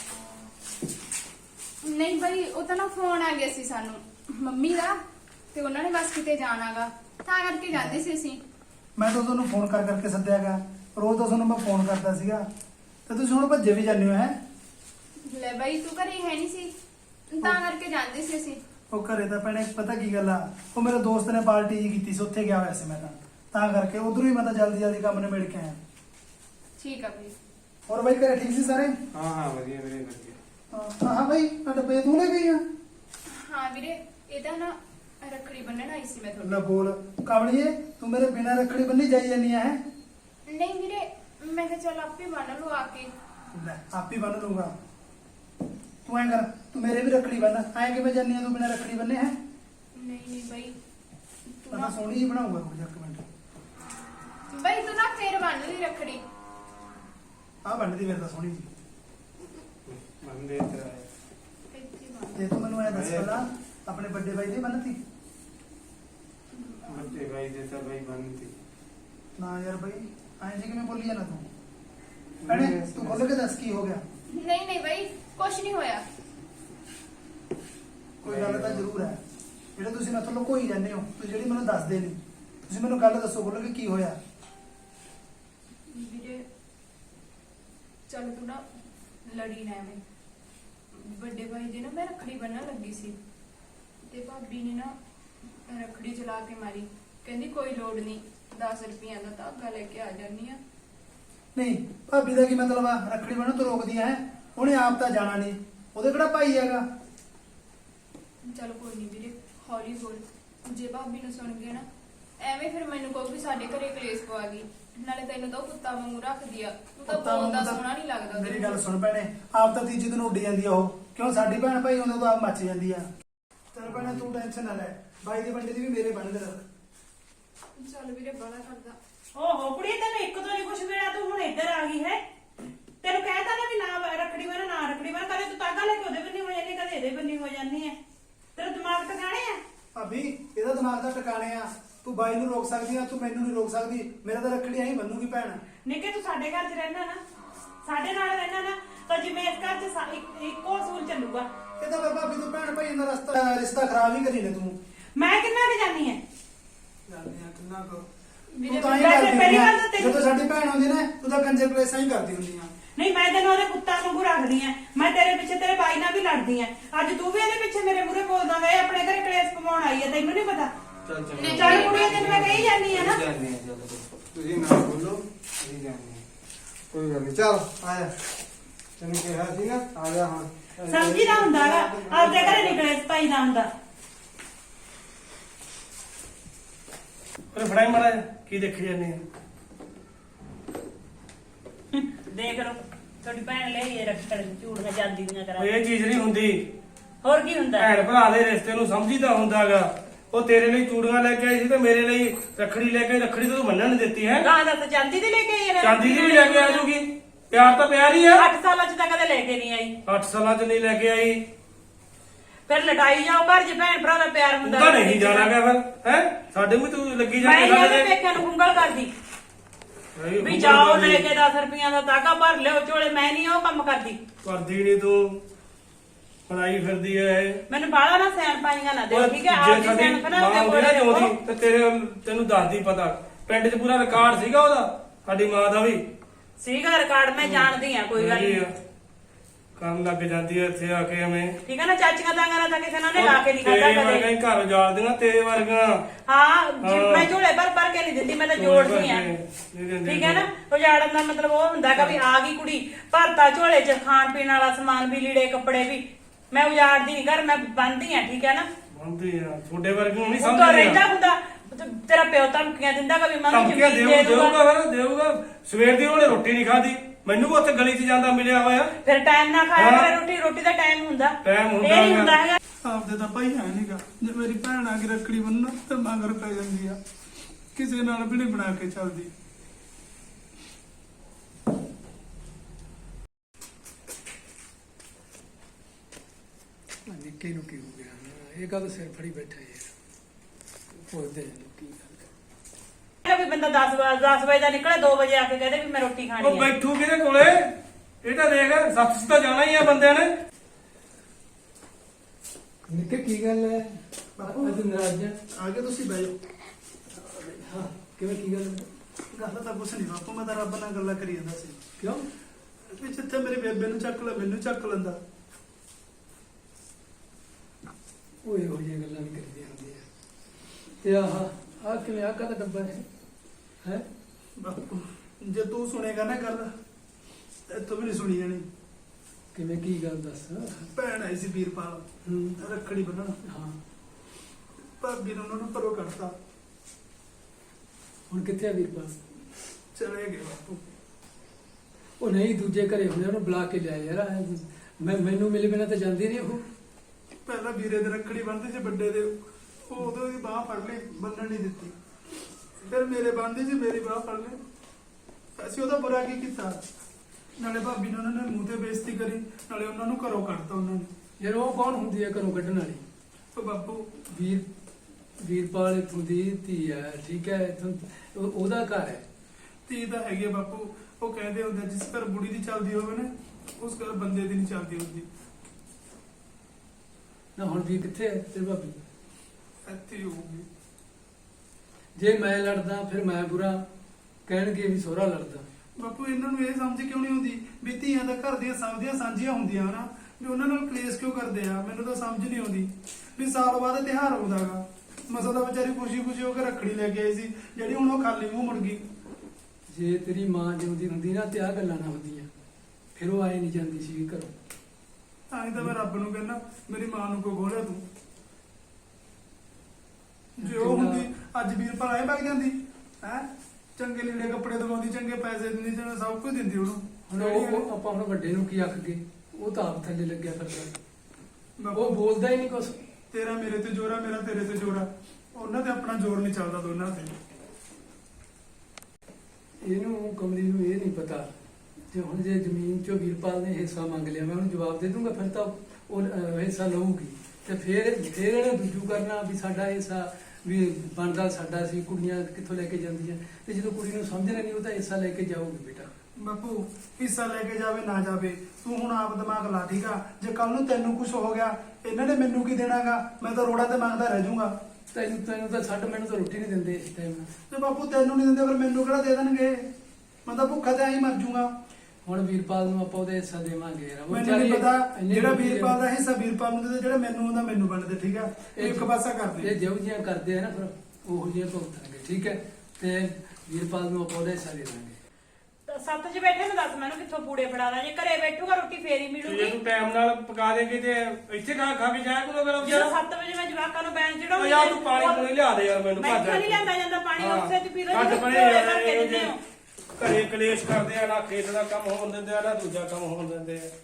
ਨਹੀਂ ਬਈ ਉਹ ਤਾਂ ਨਾ ਫੋਨ ਆ ਗਿਆ ਸੀ ਸਾਨੂੰ ਮੰਮੀ ਦਾ, ਤੇ ਉਹਨਾਂ ਨੇ ਬਸ ਕਿਤੇ ਜਾਣਾਗਾ, ਤਾਂ ਕਰਕੇ ਜਾਂਦੇ ਸੀ ਅਸੀਂ।
ਮੈਂ ਤਾਂ ਤੁਹਾਨੂੰ ਫੋਨ ਕਰ ਕਰਕੇ ਸੱਦਿਆਗਾ, ਰੋਜ਼ ਤਾਂ ਤੁਹਾਨੂੰ ਮੈਂ ਫੋਨ ਕਰਦਾ ਸੀਗਾ, ਤੇ ਤੁਸੀਂ ਹੁਣ ਭੱਜੇ ਵੀ ਜਾਂਦੇ ਹੋ ਹੈ?
ਲੈ ਬਈ ਤੂੰ ਘਰੇ ਹੈ ਨਹੀਂ ਸੀ, ਤਾਂ ਕਰਕੇ ਜਾਂਦੇ ਸੀ ਅਸੀਂ।
ਉਹ ਘਰੇ ਤਾਂ ਭੈਣੇ ਪਤਾ ਕੀ ਗੱਲ ਆ, ਉਹ ਮੇਰੇ ਦੋਸਤ ਨੇ ਪਾਰਟੀ ਜੀ ਕੀਤੀ ਸੀ, ਉੱਥੇ ਗਿਆ ਹੋਇਆ ਸੀ ਮੈਂ ਤਾਂ ਤਾਂ ਕਰਕੇ ਉਧਰੋਂ ਹੀ ਮੈਂ ਤਾਂ ਜਲਦੀ ਜਲਦੀ ਕੰਮ ਨਿਬੇੜ ਕੇ ਆਇਆ।
ਠੀਕ ਆ ਬਈ।
ਹੋਰ ਬਾਈ ਘਰੇ ਠੀਕ ਸੀ ਸਾਰੇ?
ਹਾਂ ਹਾਂ ਵਧੀਆ ਵੀਰੇ ਵਧੀਆ।
ਹਾਂ ਹਾਂ ਬਾਈ ਤੁਹਾਡੇ ਪੇ ਤੂੰ ਲੈ ਗਈ ਆ?
ਹਾਂ ਵੀਰੇ ਇਹ ਤਾਂ ਨਾ ਰੱਖੜੀ ਬੰਨਣ ਆਈ ਸੀ ਮੈਂ ਤੁਹਾਡੇ।
ਲੈ ਬੋਲ ਕਮਲੀਏ, ਤੂੰ ਮੇਰੇ ਬਿਨਾਂ ਰੱਖੜੀ ਬੰਨੀ ਜਾਈ ਜਾਂਦੀ ਆ ਹੈ?
ਨਹੀਂ ਵੀਰੇ ਮੈਂ ਕਿਹਾ ਚੱਲ ਆਪੇ ਬੰਨ ਲਓ ਆ ਕੇ।
ਲੈ ਆਪ ਹੀ ਬੰਨ ਲੂੰਗਾ। ਤੂੰ ਐਂ ਕਰ, ਤੂੰ ਮੇਰੇ ਵੀ ਰੱਖੜੀ ਬੰਨ। ਐਂ ਕਿਵੇਂ ਜਾਨੀ ਆ ਤੂੰ ਬਿਨਾਂ ਰੱਖੜੀ ਬੰਨੇ ਹੈ?
ਨਹੀਂ ਨਹੀਂ ਬਈ ਤੂੰ
ਮੈਂ
ਨਾ
ਤਾਂ ਸੋਹਣੀ ਜੀ ਬਣਾਉਂਗਾ ਕੁਝ ਇੱਕ ਮਿੰਟ।
ਬਈ ਤੂੰ ਨਾ ਫੇਰ ਬੰਨ ਲਈ ਰੱਖੜੀ।
ਆਹ ਬੰਨਦੀ ਮੇਰੇ ਤਾਂ ਸੋਹਣੀ ਜੀ।
ਮੰਦੇ ਤੇਰਾ
ਇੱਥੇ ਬੰਨ।
ਤੇ ਤੂੰ ਮੈਨੂੰ ਐ ਦੱਸ ਪਹਿਲਾਂ ਆਪਣੇ ਵੱਡੇ ਬਾਈ ਦੀ ਬੰਨਤੀ?
ਬੱਚੇ ਭਾਈ ਦੇ ਤਾਂ ਭਾਈ ਬੰਨਤੀ।
ਨਾ ਯਾਰ ਬਾਈ ਐਂ ਜੀ ਕਿਵੇਂ ਬੋਲੀ ਜਾਣਾ ਤੂੰ? ਭੈਣੇ ਤੂੰ ਖੋਲ ਕੇ ਦੱਸ ਕੀ ਹੋ ਗਿਆ?
ਨਹੀਂ ਨਹੀਂ ਬਈ ਕੁਛ ਨਹੀਂ ਹੋਇਆ।
ਕੋਈ ਗੱਲ ਤਾਂ ਜ਼ਰੂਰ ਹੈ, ਜਿਹੜਾ ਤੁਸੀਂ ਮੈਥੋਂ ਲੁਕੋਈ ਜਾਂਦੇ ਹੋ, ਤੁਸੀਂ ਜਿਹੜੀ ਮੈਨੂੰ ਦੱਸਦੇ ਨਹੀਂ। ਤੁਸੀਂ ਮੈਨੂੰ ਗੱਲ ਦੱਸੋ, ਬੋਲੋ ਕਿ ਕੀ ਹੋਇਆ?
ਵੀਰੇ ਚੱਲ ਤੂੰ ਨਾ ਲੜੀ ਨਾ ਐਵੇਂ। ਵੱਡੇ ਭਾਈ ਦੀ ਨਾ ਮੈਂ ਰੱਖੜੀ ਬੰਨਣ ਲੱਗੀ ਸੀ, ਤੇ ਭਾਬੀ ਨੇ ਨਾ ਰੱਖੜੀ ਚਲਾ ਕੇ ਮਾਰੀ, ਕਹਿੰਦੀ ਕੋਈ ਲੋੜ ਨਹੀਂ, ਦਸ ਰੁਪਈਆਂ ਦਾ ਧਾਗਾ ਲੈ ਕੇ ਆ ਜਾਨੀ ਆ।
ਨਹੀਂ ਭਾਬੀ ਦਾ ਕੀ ਮਤਲਬ ਆ ਰੱਖੜੀ ਬੰਨ੍ਹਣ ਤੋਂ ਰੋਕਦੀ ਹੈ? ਉਹਨੇ ਆਪ ਤਾਂ ਜਾਣਾ ਨਹੀਂ, ਉਹਦੇ ਕਿਹੜਾ ਭਾਈ ਹੈਗਾ?
ਚਲ ਕੋਈ ਨਹੀਂ ਵੀਰੇ ਹੌਲੀ ਬੋਲ, ਜੇ ਭਾਬੀ ਨੂੰ ਸੁਣ ਗਏ ਨਾ ਐਵੇਂ ਫਿਰ ਮੈਨੂੰ ਕਹੋ ਵੀ ਸਾਡੇ ਘਰੇ ਕਲੇਸ਼ ਪਵਾ ਗਈ। ਨਾਲੇ ਤੈਨੂੰ ਤਾਂ ਉਹ ਕੁੱਤਾ ਵਾਂਗੂ ਰੱਖਦੀ ਆ, ਤੂੰ ਤਾਂ
ਪੁੱਤਾਂ
ਬੋਲਦਾ
ਵਾਂਗੂ ਤਾਂ-
ਸੋਹਣਾ ਨਹੀਂ ਲੱਗਦਾ।
ਮੇਰੀ ਗੱਲ ਸੁਣ ਭੈਣੇ, ਆਪ ਤਾਂ ਤੀਜੇ ਦਿਨ ਉੱਡ ਜਾਂਦੀ ਆ ਉਹ, ਕਿਉਂ ਸਾਡੀ ਭੈਣ ਭਾਈ ਉਹਨਾਂ ਤੋਂ ਆਪ ਮੱਚ ਜਾਂਦੀ ਆ। ਚਲ ਭੈਣੇ ਤੂੰ ਟੈਨਸ਼ਨ ਨਾ ਲੈ, ਬਾਈ ਦੀ ਬੰਦੇ ਦੀ ਵੀ ਮੇਰੇ ਬੰਨ ਦੇ ਰੱਖ।
ਚੱਲ ਵੀਰੇ ਬੜਾ ਕਰਦਾ।
ਓਹੋ ਕੁੜੀ ਤੈਨੂੰ ਇੱਕ ਤੋਂ ਨਹੀਂ ਕੁਛ ਮਿਲਿਆ, ਤੂੰ ਹੁਣ ਇੱਧਰ ਆ ਗਈ ਹੈ। ਤੈਨੂੰ ਕਹਿਤਾ ਨਾ ਵੀ ਨਾ ਰੱਖੜੀ ਵਾਲਾ ਨਾ ਰੱਖੜੀ ਵਾਲਾ, ਕਦੇ ਤੂੰ ਤਾਗਾ ਲੈ ਕੇ ਉਹਦੇ ਬੰਨੀ ਹੋ ਜਾਂਦੀ, ਕਦੇ ਇਹਦੇ ਬੰਨੀ ਹੋ ਜਾਂਦੀ ਹੈ। ਤੇਰਾ ਦਿਮਾਗ ਟਿਕਾਣੇ ਆ?
ਭਾਬੀ ਇਹਦਾ ਦਿਮਾਗ ਤਾਂ ਟਿਕਾਣੇ ਆ। ਤੂੰ ਬਾਈ ਨੂੰ ਰੋਕ ਸਕਦੀ ਆ, ਤੂੰ ਮੈਨੂੰ ਨਹੀਂ ਰੋਕ ਸਕਦੀ। ਮੇਰਾ ਤਾਂ ਰੱਖੜੀ ਆਹੀ ਬੰਨੂਗੀ ਭੈਣ।
ਨਿੱਕੇ ਤੂੰ ਸਾਡੇ ਘਰ 'ਚ ਰਹਿਣਾ ਨਾ, ਸਾਡੇ ਨਾਲ ਰਹਿਣਾ ਨਾ, ਤਾਂ ਜਿਵੇਂ ਇਸ ਘਰ 'ਚ ਸਾ- ਇੱਕ- ਇੱਕੋ ਅਸੂਲ ਚੱਲੂਗਾ।
ਇਹ ਤਾਂ ਫਿਰ ਭਾਬੀ ਤੂੰ ਭੈਣ ਭਾਈ ਦਾ ਰਸਤਾ ਰਿਸ਼ਤਾ ਖਰਾਬ ਹੀ ਕਰੀ ਨੇ ਤੂੰ।
ਮੈਂ ਕਿੰਨਾ ਕੁ ਜਾਨੀ ਹੈ?
ਜਾਂਦੀ ਆ ਕਿੰਨਾ ਕੁ
ਵੀਰੇ
ਤੂੰ ਤਾਂ ਹੀ
ਵੈਸੇ
ਕਰਦੀ
ਪਹਿਲੀ
ਹੁੰਦੀ ਆ।
ਗੱਲ ਤਾਂ ਤੈਨੂੰ-
ਜਦੋਂ ਸਾਡੀ ਭੈਣ ਆਉਂਦੀ ਨਾ ਤੂੰ ਤਾਂ ਕੰਜਰ ਕਲੇਸਾਂ ਹੀ ਕਰਦੀ ਹੁੰਦੀ ਆ।
ਨਹੀਂ ਮੈਂ ਤੈਨੂੰ ਉਹਦੇ ਕੁੱਤਾ ਵਾਂਗੂ ਰੱਖਦੀ ਆ, ਮੈਂ ਤੇਰੇ ਪਿੱਛੇ ਤੇਰੇ ਬਾਈ ਨਾਲ ਵੀ ਲੜਦੀ ਆ। ਅੱਜ ਤੂੰ ਵੀ ਇਹਦੇ ਪਿੱਛੇ ਮੇਰੇ ਮੂਹਰੇ ਬੋਲਦਾ ਵੇ ਆਪਣੇ ਘਰੇ ਕਲੇਸ਼ ਪਵਾਉਣ ਆਈ ਆ, ਤੈਨੂੰ ਨਹੀਂ ਪਤਾ?
ਚੱਲ ਚੱਲ
ਨਹੀਂ,
ਚੱਲ ਕੁੜੀਆਂ ਤੈਨੂੰ ਮੈਂ ਕਹੀ ਜਾਂਦੀ ਆ ਨਾ।
ਜਾਂਦੇ ਆ, ਚਲੋ ਤੁਸੀਂ ਨਾ ਬੋਲੋ, ਅਸੀਂ ਜਾਂਦੇ ਆ। ਕੋਈ ਗੱਲ ਨਹੀਂ, ਚੱਲ ਆ ਜਾ। ਤੈਨੂੰ ਕਿਹਾ ਸੀ ਨਾ ਆ ਜਾ ਹੁਣ।
ਸਮਝੀਦਾ ਹੁੰਦਾਗਾ, ਆਪਦੇ ਘਰੇ ਨਿਕਲੇ ਭਾਈ ਦਾ ਹੁੰਦਾ।
ਪਰ ਫੜਾਈ ਮਾੜਾ ਜਿਹਾ, ਕੀ ਦੇਖੀ ਜਾਂਦੇ ਆ?
ਦੇਖ ਲਓ ਤੁਹਾਡੀ ਭੈਣ ਲਈ ਇਹ ਰੱਖੜ ਝੂੜੀਆਂ ਜਾਂਦੀ ਦੀਆਂ ਕਰਾ
ਇਹ ਚੀਜ਼ ਨਹੀਂ ਹੁੰਦੀ।
ਹੋਰ ਕੀ ਹੁੰਦਾ
ਭੈਣ ਭਰਾ ਦੇ ਰਿਸ਼ਤੇ ਨੂੰ ਸਮਝੀਦਾ ਹੁੰਦਾਗਾ। ਉਹ ਤੇਰੇ ਲਈ ਚੂੜੀਆਂ ਲੈ ਕੇ ਆਈ ਸੀ ਤੇ ਮੇਰੇ ਲਈ ਰੱਖੜੀ ਲੈ ਕੇ ਆਈ। ਰੱਖੜੀ ਤਾਂ ਤੂੰ ਮੰਨਣ ਨਹੀਂ ਦਿੱਤੀ ਹੈ।
ਗਾਂ ਦਾ ਤਾਂ ਚਾਂਦੀ ਦੀ ਲੈ ਕੇ ਆਈ ਹੈ
ਚਾਂਦੀ ਦੀ ਵੀ ਲੈ ਕੇ ਆ ਜੂਗੀ। ਪਿਆਰ ਤਾਂ ਪਿਆਰ ਹੀ ਆ।
ਅੱਠ ਸਾਲਾਂ ਚ ਤਾਂ ਕਦੇ ਲੈ ਕੇ ਨਹੀਂ ਆਈ।
ਅੱਠ ਸਾਲਾਂ ਚ ਨਹੀਂ ਲੈ ਕੇ ਆਈ।
ਫਿਰ ਲਟਾਈ ਜਾਓ ਘਰ ਜੇ ਭੈਣ ਭਰਾ ਦਾ ਪਿਆਰ ਹੁੰਦਾ
ਉਹਦਾ ਨਹੀਂ ਜਾਣਾ ਗਿਆ ਫਿਰ ਹੈ ਸਾਡੇ ਵੀ ਤੂੰ ਲੱਗੀ
ਮੈਂ
ਜਾਂਦੀ
ਇਹਦੇ ਪੇਕਿਆਂ ਨੂੰ ਗੁੰਗਲ ਕਰਦੀ ਵੀ ਜਾਓ ਲੈ ਕੇ ਦਸ ਰੁਪਈਆਂ ਦਾ ਤਾਗਾ ਭਰ ਲਿਓ ਝੋਲੇ। ਮੈਂ ਨਹੀਂ ਉਹ ਕੰਮ ਕਰਦੀ
ਕਰਦੀ ਨਹੀਂ ਤੂੰ ਬਣਾਈ ਫਿਰਦੀ ਐ।
ਮੈਨੂੰ ਬਾਹਲਾ ਨਾ ਸਿਆਣ ਪਾਈਆਂ ਨਾ ਦਿਓ ਠੀਕ ਹੈ। ਆਪ ਦੀ ਸਿਆਣ ਬਣਾ
ਮਾਂ
ਕੇ
ਉਹਦੀ
ਕੋਲੇ
ਨਾ
ਰੱਖੋ।
ਜਿਉਂਦੀ ਤੇ ਤੇਰੇ ਤੈਨੂੰ ਦੱਸਦੀ ਪਤਾ ਪਿੰਡ 'ਚ ਪੂਰਾ ਰਿਕਾਰਡ ਸੀਗਾ ਉਹਦਾ ਸਾਡੀ ਮਾਂ ਦਾ ਵੀ
ਸੀਗਾ ਰਿਕਾਰਡ ਮੈਂ ਜਾਣਦੀ ਆ ਕੋਈ ਗੱਲ ਨਹੀਂ।
ਕੰਮ ਲੱਗ ਜਾਂਦੀ ਐ ਇੱਥੇ ਆ ਕੇ ਐਵੇਂ
ਠੀਕ ਹੈ ਨਾ ਚਾਚੀਆਂ ਤਾਂਗਾਂ ਨਾਲ ਤਾਂ ਕਿਸੇ ਨਾਲ ਨੇ ਲਾ ਕੇ ਨਹੀਂ ਖਾਦਾ
ਤੇਰੇ
ਕਦੇ।
ਵਰਗਾ ਹੀ ਘਰ ਉਜਾੜਦੀਆਂ ਤੇਰੇ ਵਰਗਾ।
ਹਾਂ ਜੀ, ਮੈਂ ਝੋਲੇ ਭਰ ਭਰ ਕੇ ਨਹੀਂ ਦਿੰਦੀ ਮੈਂ ਤਾਂ ਜੋੜਦੀ ਆ ਠੀਕ ਹੈ ਨਾ। ਉਜਾੜਨ ਦਾ ਮਤਲਬ ਉਹ ਹੁੰਦਾ ਕਿ ਵੀ ਆ ਗਈ ਕੁੜੀ ਭਰਤਾ ਝੋਲੇ 'ਚ ਖਾਣ ਪੀਣ ਵਾਲਾ ਸਮਾਨ ਵੀ ਲੀੜੇ ਕੱਪੜੇ ਵੀ। ਮੈਂ ਉਜਾੜਦੀ ਨਹੀਂ ਘਰ ਮੈਂ ਬੰਨਦੀ ਆ ਠੀਕ ਹੈ ਨਾ।
ਬੰਦੀ ਆ ਤੁਹਾਡੇ ਵਰਗੇ ਨੂੰ ਨਹੀਂ
ਉਹ ਤਾਂ
ਸਮਝਦੇ
ਰਹਿੰਦਾ ਹੁੰਦਾ ਤੇਰਾ ਪਿਓ ਧਮਕੀਆਂ ਦਿੰਦਾ ਕਿ ਵੀ ਮੰਮੀ
ਧਮਕੀਆਂ
ਜ਼ਮੀਨ
ਦੇਊ
ਦੇ
ਦੇਊਗਾ
ਦੂਗਾ।
ਫਿਰ ਦੇਊਗਾ। ਸਵੇਰ ਦੀ ਉਹਨੇ ਰੋਟੀ ਨਹੀਂ ਖਾਧੀ। ਮੈਨੂੰ ਵੀ ਉੱਥੇ ਗਲੀ 'ਚ ਜਾਂਦਾ ਮਿਲਿਆ ਹੋਇਆ।
ਫਿਰ ਟਾਈਮ ਨਾ ਖਾਇਆ
ਹਾਂ।
ਕਰੇ ਰੋਟੀ। ਰੋਟੀ ਦਾ ਟਾਈਮ ਹੁੰਦਾ
Time ਹੁੰਦਾ
ਇਹ ਨਹੀਂ
ਹੈਗਾ।
ਹੁੰਦਾ ਹੈਗਾ।
ਆਪਦੇ ਤਾਂ ਭਾਈ ਹੈ ਨਹੀਂਗਾ। ਜੇ ਮੇਰੀ ਭੈਣ ਆ ਕੇ ਰੱਖੜੀ ਬੰਨ੍ਹਣਾ ਤੇ ਮਗਰ ਪੈ ਜਾਂਦੀ ਆ। ਕਿਸੇ ਨਾਲ ਵੀ ਨਹੀਂ ਬਣਾ ਕੇ ਚੱਲਦੀ।
ਨਿੱਕੇ ਨੂੰ ਕੀ ਹੋ ਗਿਆ? ਇਹ ਕਦ ਸਿਰ ਫੜੀ ਬੈਠਾ ਯਾਰ। ਪੁੱਛਦੇ ਨੇ ਲੋਕੀ ਗੱਲ।
ਇਹ ਵੀ ਬੰਦਾ ਦਸ ਵਜੇ ਦਸ ਵਜੇ ਦਾ ਨਿਕਲੇ ਦੋ ਵਜੇ ਆ ਕੇ ਕਹਦੇ ਵੀ ਮੈਂ ਰੋਟੀ ਖਾਣੀ
ਉਹ
ਹੈ।
ਬੈਠੂ ਕਿਹਦੇ ਕੋਲੇ? ਇਹ ਤਾਂ ਦੇਖ ਸੱਤ ਤਾਂ ਜਾਣਾ ਹੀ ਆ ਬੰਦਿਆਂ ਨੇ।
ਨਿੱਕੇ ਕੀ ਗੱਲ ਹੈ? ਅੱਜ ਨਾਰਾਜ਼ ਆ?
ਆ ਕੇ ਤੁਸੀਂ ਬਹਿ ਜਾਓ।
ਹਾਂ ਕਿਵੇਂ ਕੀ ਗੱਲ ਹੈ?
ਗੱਲ ਤਾਂ ਕੁਛ ਨਹੀਂ ਬਾਪੂ, ਮੈਂ ਤਾਂ ਰੱਬ ਨਾਲ ਗੱਲਾਂ ਕਰੀ ਜਾਂਦਾ ਸੀ
ਕਿਉਂ?
ਵੀ ਜਿੱਥੇ ਮੇਰੇ ਬੇਬੇ ਨੂੰ ਚੱਕ ਲੈ ਮੈਨੂੰ ਚੱਕ ਲੈਂਦਾ।
ਉਹ ਇਹੋ ਜਿਹੀਆਂ ਗੱਲਾਂ ਨਹੀਂ ਕਰਦੀਆਂ ਹੁੰਦੀਆਂ। ਤੇ ਆਹ ਆਹ ਕਿਵੇਂ ਆਹ ਕਾਹਦਾ ਡੱਬਾ ਹੈ? ਹੈ
ਬਾਪੂ ਜੇ ਤੂੰ ਸੁਣੇਗਾ ਨਾ ਗੱਲ ਇੱਥੋਂ ਵੀ ਨਹੀਂ ਸੁਣੀ ਜਾਣੀ।
ਕਿਵੇਂ ਕੀ ਗੱਲ ਦੱਸ?
ਭੈਣ ਆਈ ਸੀ ਵੀਰਪਾਲ
ਹੂੰ
ਰੱਖੜੀ ਬੰਨਣ।
ਹਾਂ
ਭਾਬੀ ਨੇ ਉਹਨਾਂ ਨੂੰ ਘਰੋਂ ਕੱਢਤਾ।
ਹੁਣ ਕਿੱਥੇ ਆ ਵੀਰਪਾਲ?
ਚਲੇ ਗਏ ਬਾਪੂ।
ਉਹ ਨਹੀਂ ਦੂਜੇ ਘਰੇ ਹੁੰਦੇ ਉਹਨੂੰ ਬੁਲਾ ਕੇ ਲਿਆ ਯਾਰ। ਐਂ ਮੈਂ ਮੈਨੂੰ ਮਿਲੇ ਬਿਨਾਂ ਤਾਂ ਜਾਂਦੀ ਨਹੀਂ ਉਹ।
ਪਹਿਲਾਂ ਵੀਰੇ ਦੇ ਰੱਖੜੀ ਬੰਨ੍ਹਦੇ ਸੀ ਵੱਡੇ ਦੇ, ਉਹ ਉਦੋਂ ਦੀ ਬਾਹ ਫੜ ਲਈ, ਬੰਨਣ ਨਹੀਂ ਦਿੱਤੀ। ਫਿਰ ਮੇਰੇ ਬੰਨ੍ਹਦੇ ਸੀ, ਮੇਰੀ ਬਾਹ ਫੜ ਲਈ। ਅਸੀਂ ਉਹਦਾ ਬੁਰਾ ਕੀ ਕੀਤਾ? ਨਾਲੇ ਭਾਬੀ ਨੇ ਉਹਨਾਂ ਨੇ ਮੂੰਹ ਤੇ ਬੇਇੱਜ਼ਤੀ ਕਰੀ, ਨਾਲੇ ਉਹਨਾਂ ਨੂੰ ਘਰੋਂ ਕੱਢਤਾ ਉਹਨਾਂ ਨੇ।
ਯਾਰ ਉਹ ਕੌਣ ਹੁੰਦੀ ਹੈ ਘਰੋਂ ਕੱਢਣ ਵਾਲੀ?
ਉਹ ਬਾਪੂ
ਵੀਰ ਵੀਰਪਾਲ ਇੱਥੋਂ ਦੀ ਧੀ ਹੈ ਠੀਕ ਹੈ। ਇੱਥੋਂ ਉਹ- ਉਹਦਾ ਘਰ ਹੈ।
ਧੀ ਤਾਂ ਹੈਗੀ ਆ ਬਾਪੂ। ਉਹ ਕਹਿੰਦੇ ਹੁੰਦੇ ਜਿਸ ਘਰ ਬੁੜੀ ਦੀ ਚੱਲਦੀ ਹੋਵੇ ਨਾ ਉਸ ਘਰ ਬੰਦੇ ਦੀ ਨਹੀਂ ਚੱਲਦੀ ਹੁੰਦੀ।
ਨਾ ਹੁਣ ਵੀ ਕਿੱਥੇ ਹੈ ਤੇਰੀ ਭਾਬੀ?
ਇੱਥੇ ਹੀ ਹੋਊਗੀ।
ਜੇ ਮੈਂ ਲੜਦਾ ਫਿਰ ਮੈਂ ਬੁਰਾ ਕਹਿਣਗੇ ਵੀ ਸਹੁਰਾ ਲੜਦਾ।
ਬਾਪੂ ਇਹਨਾਂ ਨੂੰ ਇਹ ਸਮਝ ਕਿਉਂ ਨਹੀਂ ਆਉਂਦੀ ਵੀ ਧੀਆਂ ਦਾ ਘਰ ਦੀਆਂ ਸਭ ਦੀਆਂ ਸਾਂਝੀਆਂ ਹੁੰਦੀਆਂ ਹਨਾ, ਵੀ ਉਹਨਾਂ ਨਾਲ ਕਲੇਸ਼ ਕਿਉਂ ਕਰਦੇ ਆ? ਮੈਨੂੰ ਤਾਂ ਸਮਝ ਨਹੀਂ ਆਉਂਦੀ ਵੀ ਸਾਲ ਬਾਅਦ ਤਿਉਹਾਰ ਆਉਂਦਾਗਾ। ਮਸਾ ਤਾਂ ਵਿਚਾਰੀ ਖੁਸ਼ੀ ਖੁਸ਼ੀ ਹੋ ਕੇ ਰੱਖੜੀ ਲੈ ਕੇ ਆਈ ਸੀ, ਜਿਹੜੀ ਹੁਣ ਉਹ ਖਾਲੀ ਮੂੰਹ ਮੁੜ ਗਈ।
ਜੇ ਤੇਰੀ ਮਾਂ ਜਿਉਂਦੀ ਹੁੰਦੀ ਨਾ ਤੇ ਆਹ ਗੱਲਾਂ ਨਾ ਹੁੰਦੀਆਂ। ਫਿਰ ਉਹ ਆਏ ਨਹੀਂ ਜਾਂਦੀ ਸੀ ਘਰੋਂ।
ਤਾਂ ਹੀ ਤਾਂ ਮੈਂ ਰੱਬ ਨੂੰ ਕਹਿੰਦਾ ਮੇਰੀ ਮਾਂ ਨੂੰ ਕੋ ਗੋਲਿਆ ਤੂੰ। ਜੇ ਉਹ ਹੁੰਦੀ ਅੱਜ ਵੀਰਪਾਲ ਆਏ ਵਗ ਜਾਂਦੀ ਹੈ, ਚੰਗੇ ਲੀੜੇ ਕੱਪੜੇ ਦਵਾਉਂਦੀ, ਚੰਗੇ ਪੈਸੇ ਦਿੰਦੀ, ਚੰਗਾ ਸਭ ਕੁਝ ਦਿੰਦੀ ਉਹਨੂੰ।
ਹੁਣ ਉਹ ਉਹ ਆਪਾਂ ਹੁਣ ਵੱਡੇ ਨੂੰ ਕੀ ਆਖ ਗਏ? ਉਹ ਤਾਂ ਆਪ ਥੱਲੇ ਲੱਗਿਆ ਫਿਰਦਾ।
ਬਾਪੂ,
ਉਹ ਬੋਲਦਾ ਹੀ ਨਹੀਂ ਕੁਛ।
ਤੇਰਾ ਮੇਰੇ ਤੇ ਜ਼ੋਰ ਆ, ਮੇਰਾ ਤੇਰੇ ਤੇ ਜ਼ੋਰ ਆ। ਉਹਨਾਂ ਤੇ ਆਪਣਾ ਜ਼ੋਰ ਨਹੀਂ ਚੱਲਦਾ ਦੋਨਾਂ ਤੇ।
ਇਹਨੂੰ ਕਮਲੀ ਨੂੰ ਇਹ ਨਹੀਂ ਪਤਾ ਤੇ ਹੁਣ ਜੇ ਜ਼ਮੀਨ ਚੋਂ ਵੀਰਪਾਲ ਨੇ ਹਿੱਸਾ ਮੰਗ ਲਿਆ ਮੈਂ ਉਹਨੂੰ ਜਵਾਬ ਦੇ ਦੂੰਗਾ ਫਿਰ ਤਾਂ ਉਹ ਅਹ, ਹਿੱਸਾ ਲਊਗੀ ਤੇ ਫਿਰ ਫਿਰ ਇਹਨੇ ਦੂਜੂ ਕਰਨਾ ਵੀ ਸਾਡਾ ਹਿੱਸਾ ਵੀ ਬਣਦਾ ਸਾਡਾ ਸੀ। ਕੁੜੀਆਂ ਕਿੱਥੋਂ ਲੈ ਕੇ ਜਾਂਦੀਆਂ ਤੇ ਜਦੋਂ ਕੁੜੀ ਨੂੰ ਸਮਝਣਾ ਨਹੀਂ ਉਹ ਤਾਂ ਹਿੱਸਾ ਲੈ ਕੇ ਜਾਊਗੀ ਬੇਟਾ।
ਬਾਪੂ ਹਿੱਸਾ ਲੈ ਕੇ ਜਾਵੇ ਨਾ ਜਾਵੇ, ਤੂੰ ਹੁਣ ਆਪ ਦਿਮਾਗ ਲਾ ਠੀਕ ਆ। ਜੇ ਕੱਲ ਨੂੰ ਤੈਨੂੰ ਕੁਝ ਹੋ ਗਿਆ ਇਹਨਾਂ ਨੇ ਮੈਨੂੰ ਕੀ ਦੇਣਾਗਾ? ਮੈਂ ਤਾਂ ਰੋੜਾ ਤੇ ਮੰਗਦਾ ਰਹਿ ਜਾਊਂਗਾ।
ਤੈਨੂੰ ਤੈਨੂੰ ਤਾਂ ਛੱਡ, ਮੈਨੂੰ ਤਾਂ ਰੋਟੀ ਨਹੀਂ ਦਿੰਦੇ ਇਸ ਟਾਈਮ।
ਤੇ ਬਾਪੂ ਤੈਨੂੰ ਨਹੀਂ ਦਿੰਦੇ ਫਿਰ ਮੈਨੂੰ ਕਿਹੜਾ ਦੇ ਦੇਣਗੇ? ਮੈਂ ਤਾਂ ਭੁੱਖਾ ਤੇ ਆਈ ਮਰ ਜਾਊਂਗਾ।
ਹੁਣ ਵੀਰਪਾਲ ਨੂੰ ਆਪਾਂ ਉਹਦਾ ਹਿੱਸਾ ਦੇਵਾਂਗੇ ਯਾਰ। ਉਹ
ਮੈਨੂੰ ਨਹੀਂ
ਵਿਚਾਰੀ
ਪਤਾ
ਇੰਨੀ
ਜਿਹੜਾ
ਰੋਟੀ
ਵੀਰਪਾਲ ਦਾ ਹਿੱਸਾ ਵੀਰਪਾਲ ਨੂੰ ਦੇ, ਜਿਹੜਾ ਮੈਨੂੰ ਹੁੰਦਾ ਮੈਨੂੰ ਬਣਦੇ ਠੀਕ ਆ। ਇਹ ਇੱਕ ਪਾਸਾ ਕਰਦੇ।
ਇਹ ਜਿਹੋ ਜਿਹੀਆਂ ਕਰਦੇ ਆ ਨਾ ਫਿਰ ਉਹੋ ਜਿਹੀਆਂ ਭੁਗਤਣਗੇ ਠੀਕ ਹੈ। ਤੇ ਵੀਰਪਾਲ ਨੂੰ ਆਪਾਂ ਉਹਦਾ ਹਿੱਸਾ ਦੇ ਦਾਂਗੇ।
ਸੱਤ ਚ ਬੈਠੇ ਨੂੰ ਦੱਸ ਮੈਨੂੰ ਕਿੱਥੋਂ ਪੂੜੇ ਫੜਾਦਾ? ਜੇ ਘਰੇ ਬੈਠੂਗਾ ਰੋਟੀ ਫੇਰ ਹੀ
ਜੇ
ਮਿਲੂਗੀ।
ਤੂੰ ਟਾਈਮ ਨਾਲ ਪਕਾ ਦੇਂਗੇ ਤੇ ਇੱਥੇ ਖਾ ਖਾ ਕੇ ਜਾਇਆ ਕਰੋ ਫਿਰ
ਜਦੋਂ ਸੱਤ ਵਜੇ ਮੈਂ ਜਵਾਕਾਂ ਨੂੰ ਬੈਣ ਚੜਾਉਂਦੀ
ਯਾਰ ਤੂੰ ਪਾਣੀ ਪੂਣੀ ਲਿਆ ਦੇ ਯਾਰ ਮੈਨੂੰ
ਮੈਂ ਕਿਉਂ ਨਹੀਂ ਲਿਆਂਦਾ ਜਾਂਦਾ ਪਾਣੀ?
ਹਾਂ।
ਉਸੇ ਚ ਪੀ ਲਓ
ਛੱਡ
ਜਦੋਂ
ਪਰੇ
ਝੋਲੇ
ਯਾਰ,
ਭਰ ਕੇ
ਇਹੋ
ਦਿੰਦੇ
ਜਿਹੇ-
ਹੋ।
ਘਰੇ ਕਲੇਸ਼ ਕਰਦੇ ਆ, ਨਾ ਖੇਤ ਦਾ ਕੰਮ ਹੋਣ ਦਿੰਦੇ ਆ, ਨਾ ਦੂਜਾ ਕੰਮ ਹੋਣ ਦਿੰਦੇ ਆ।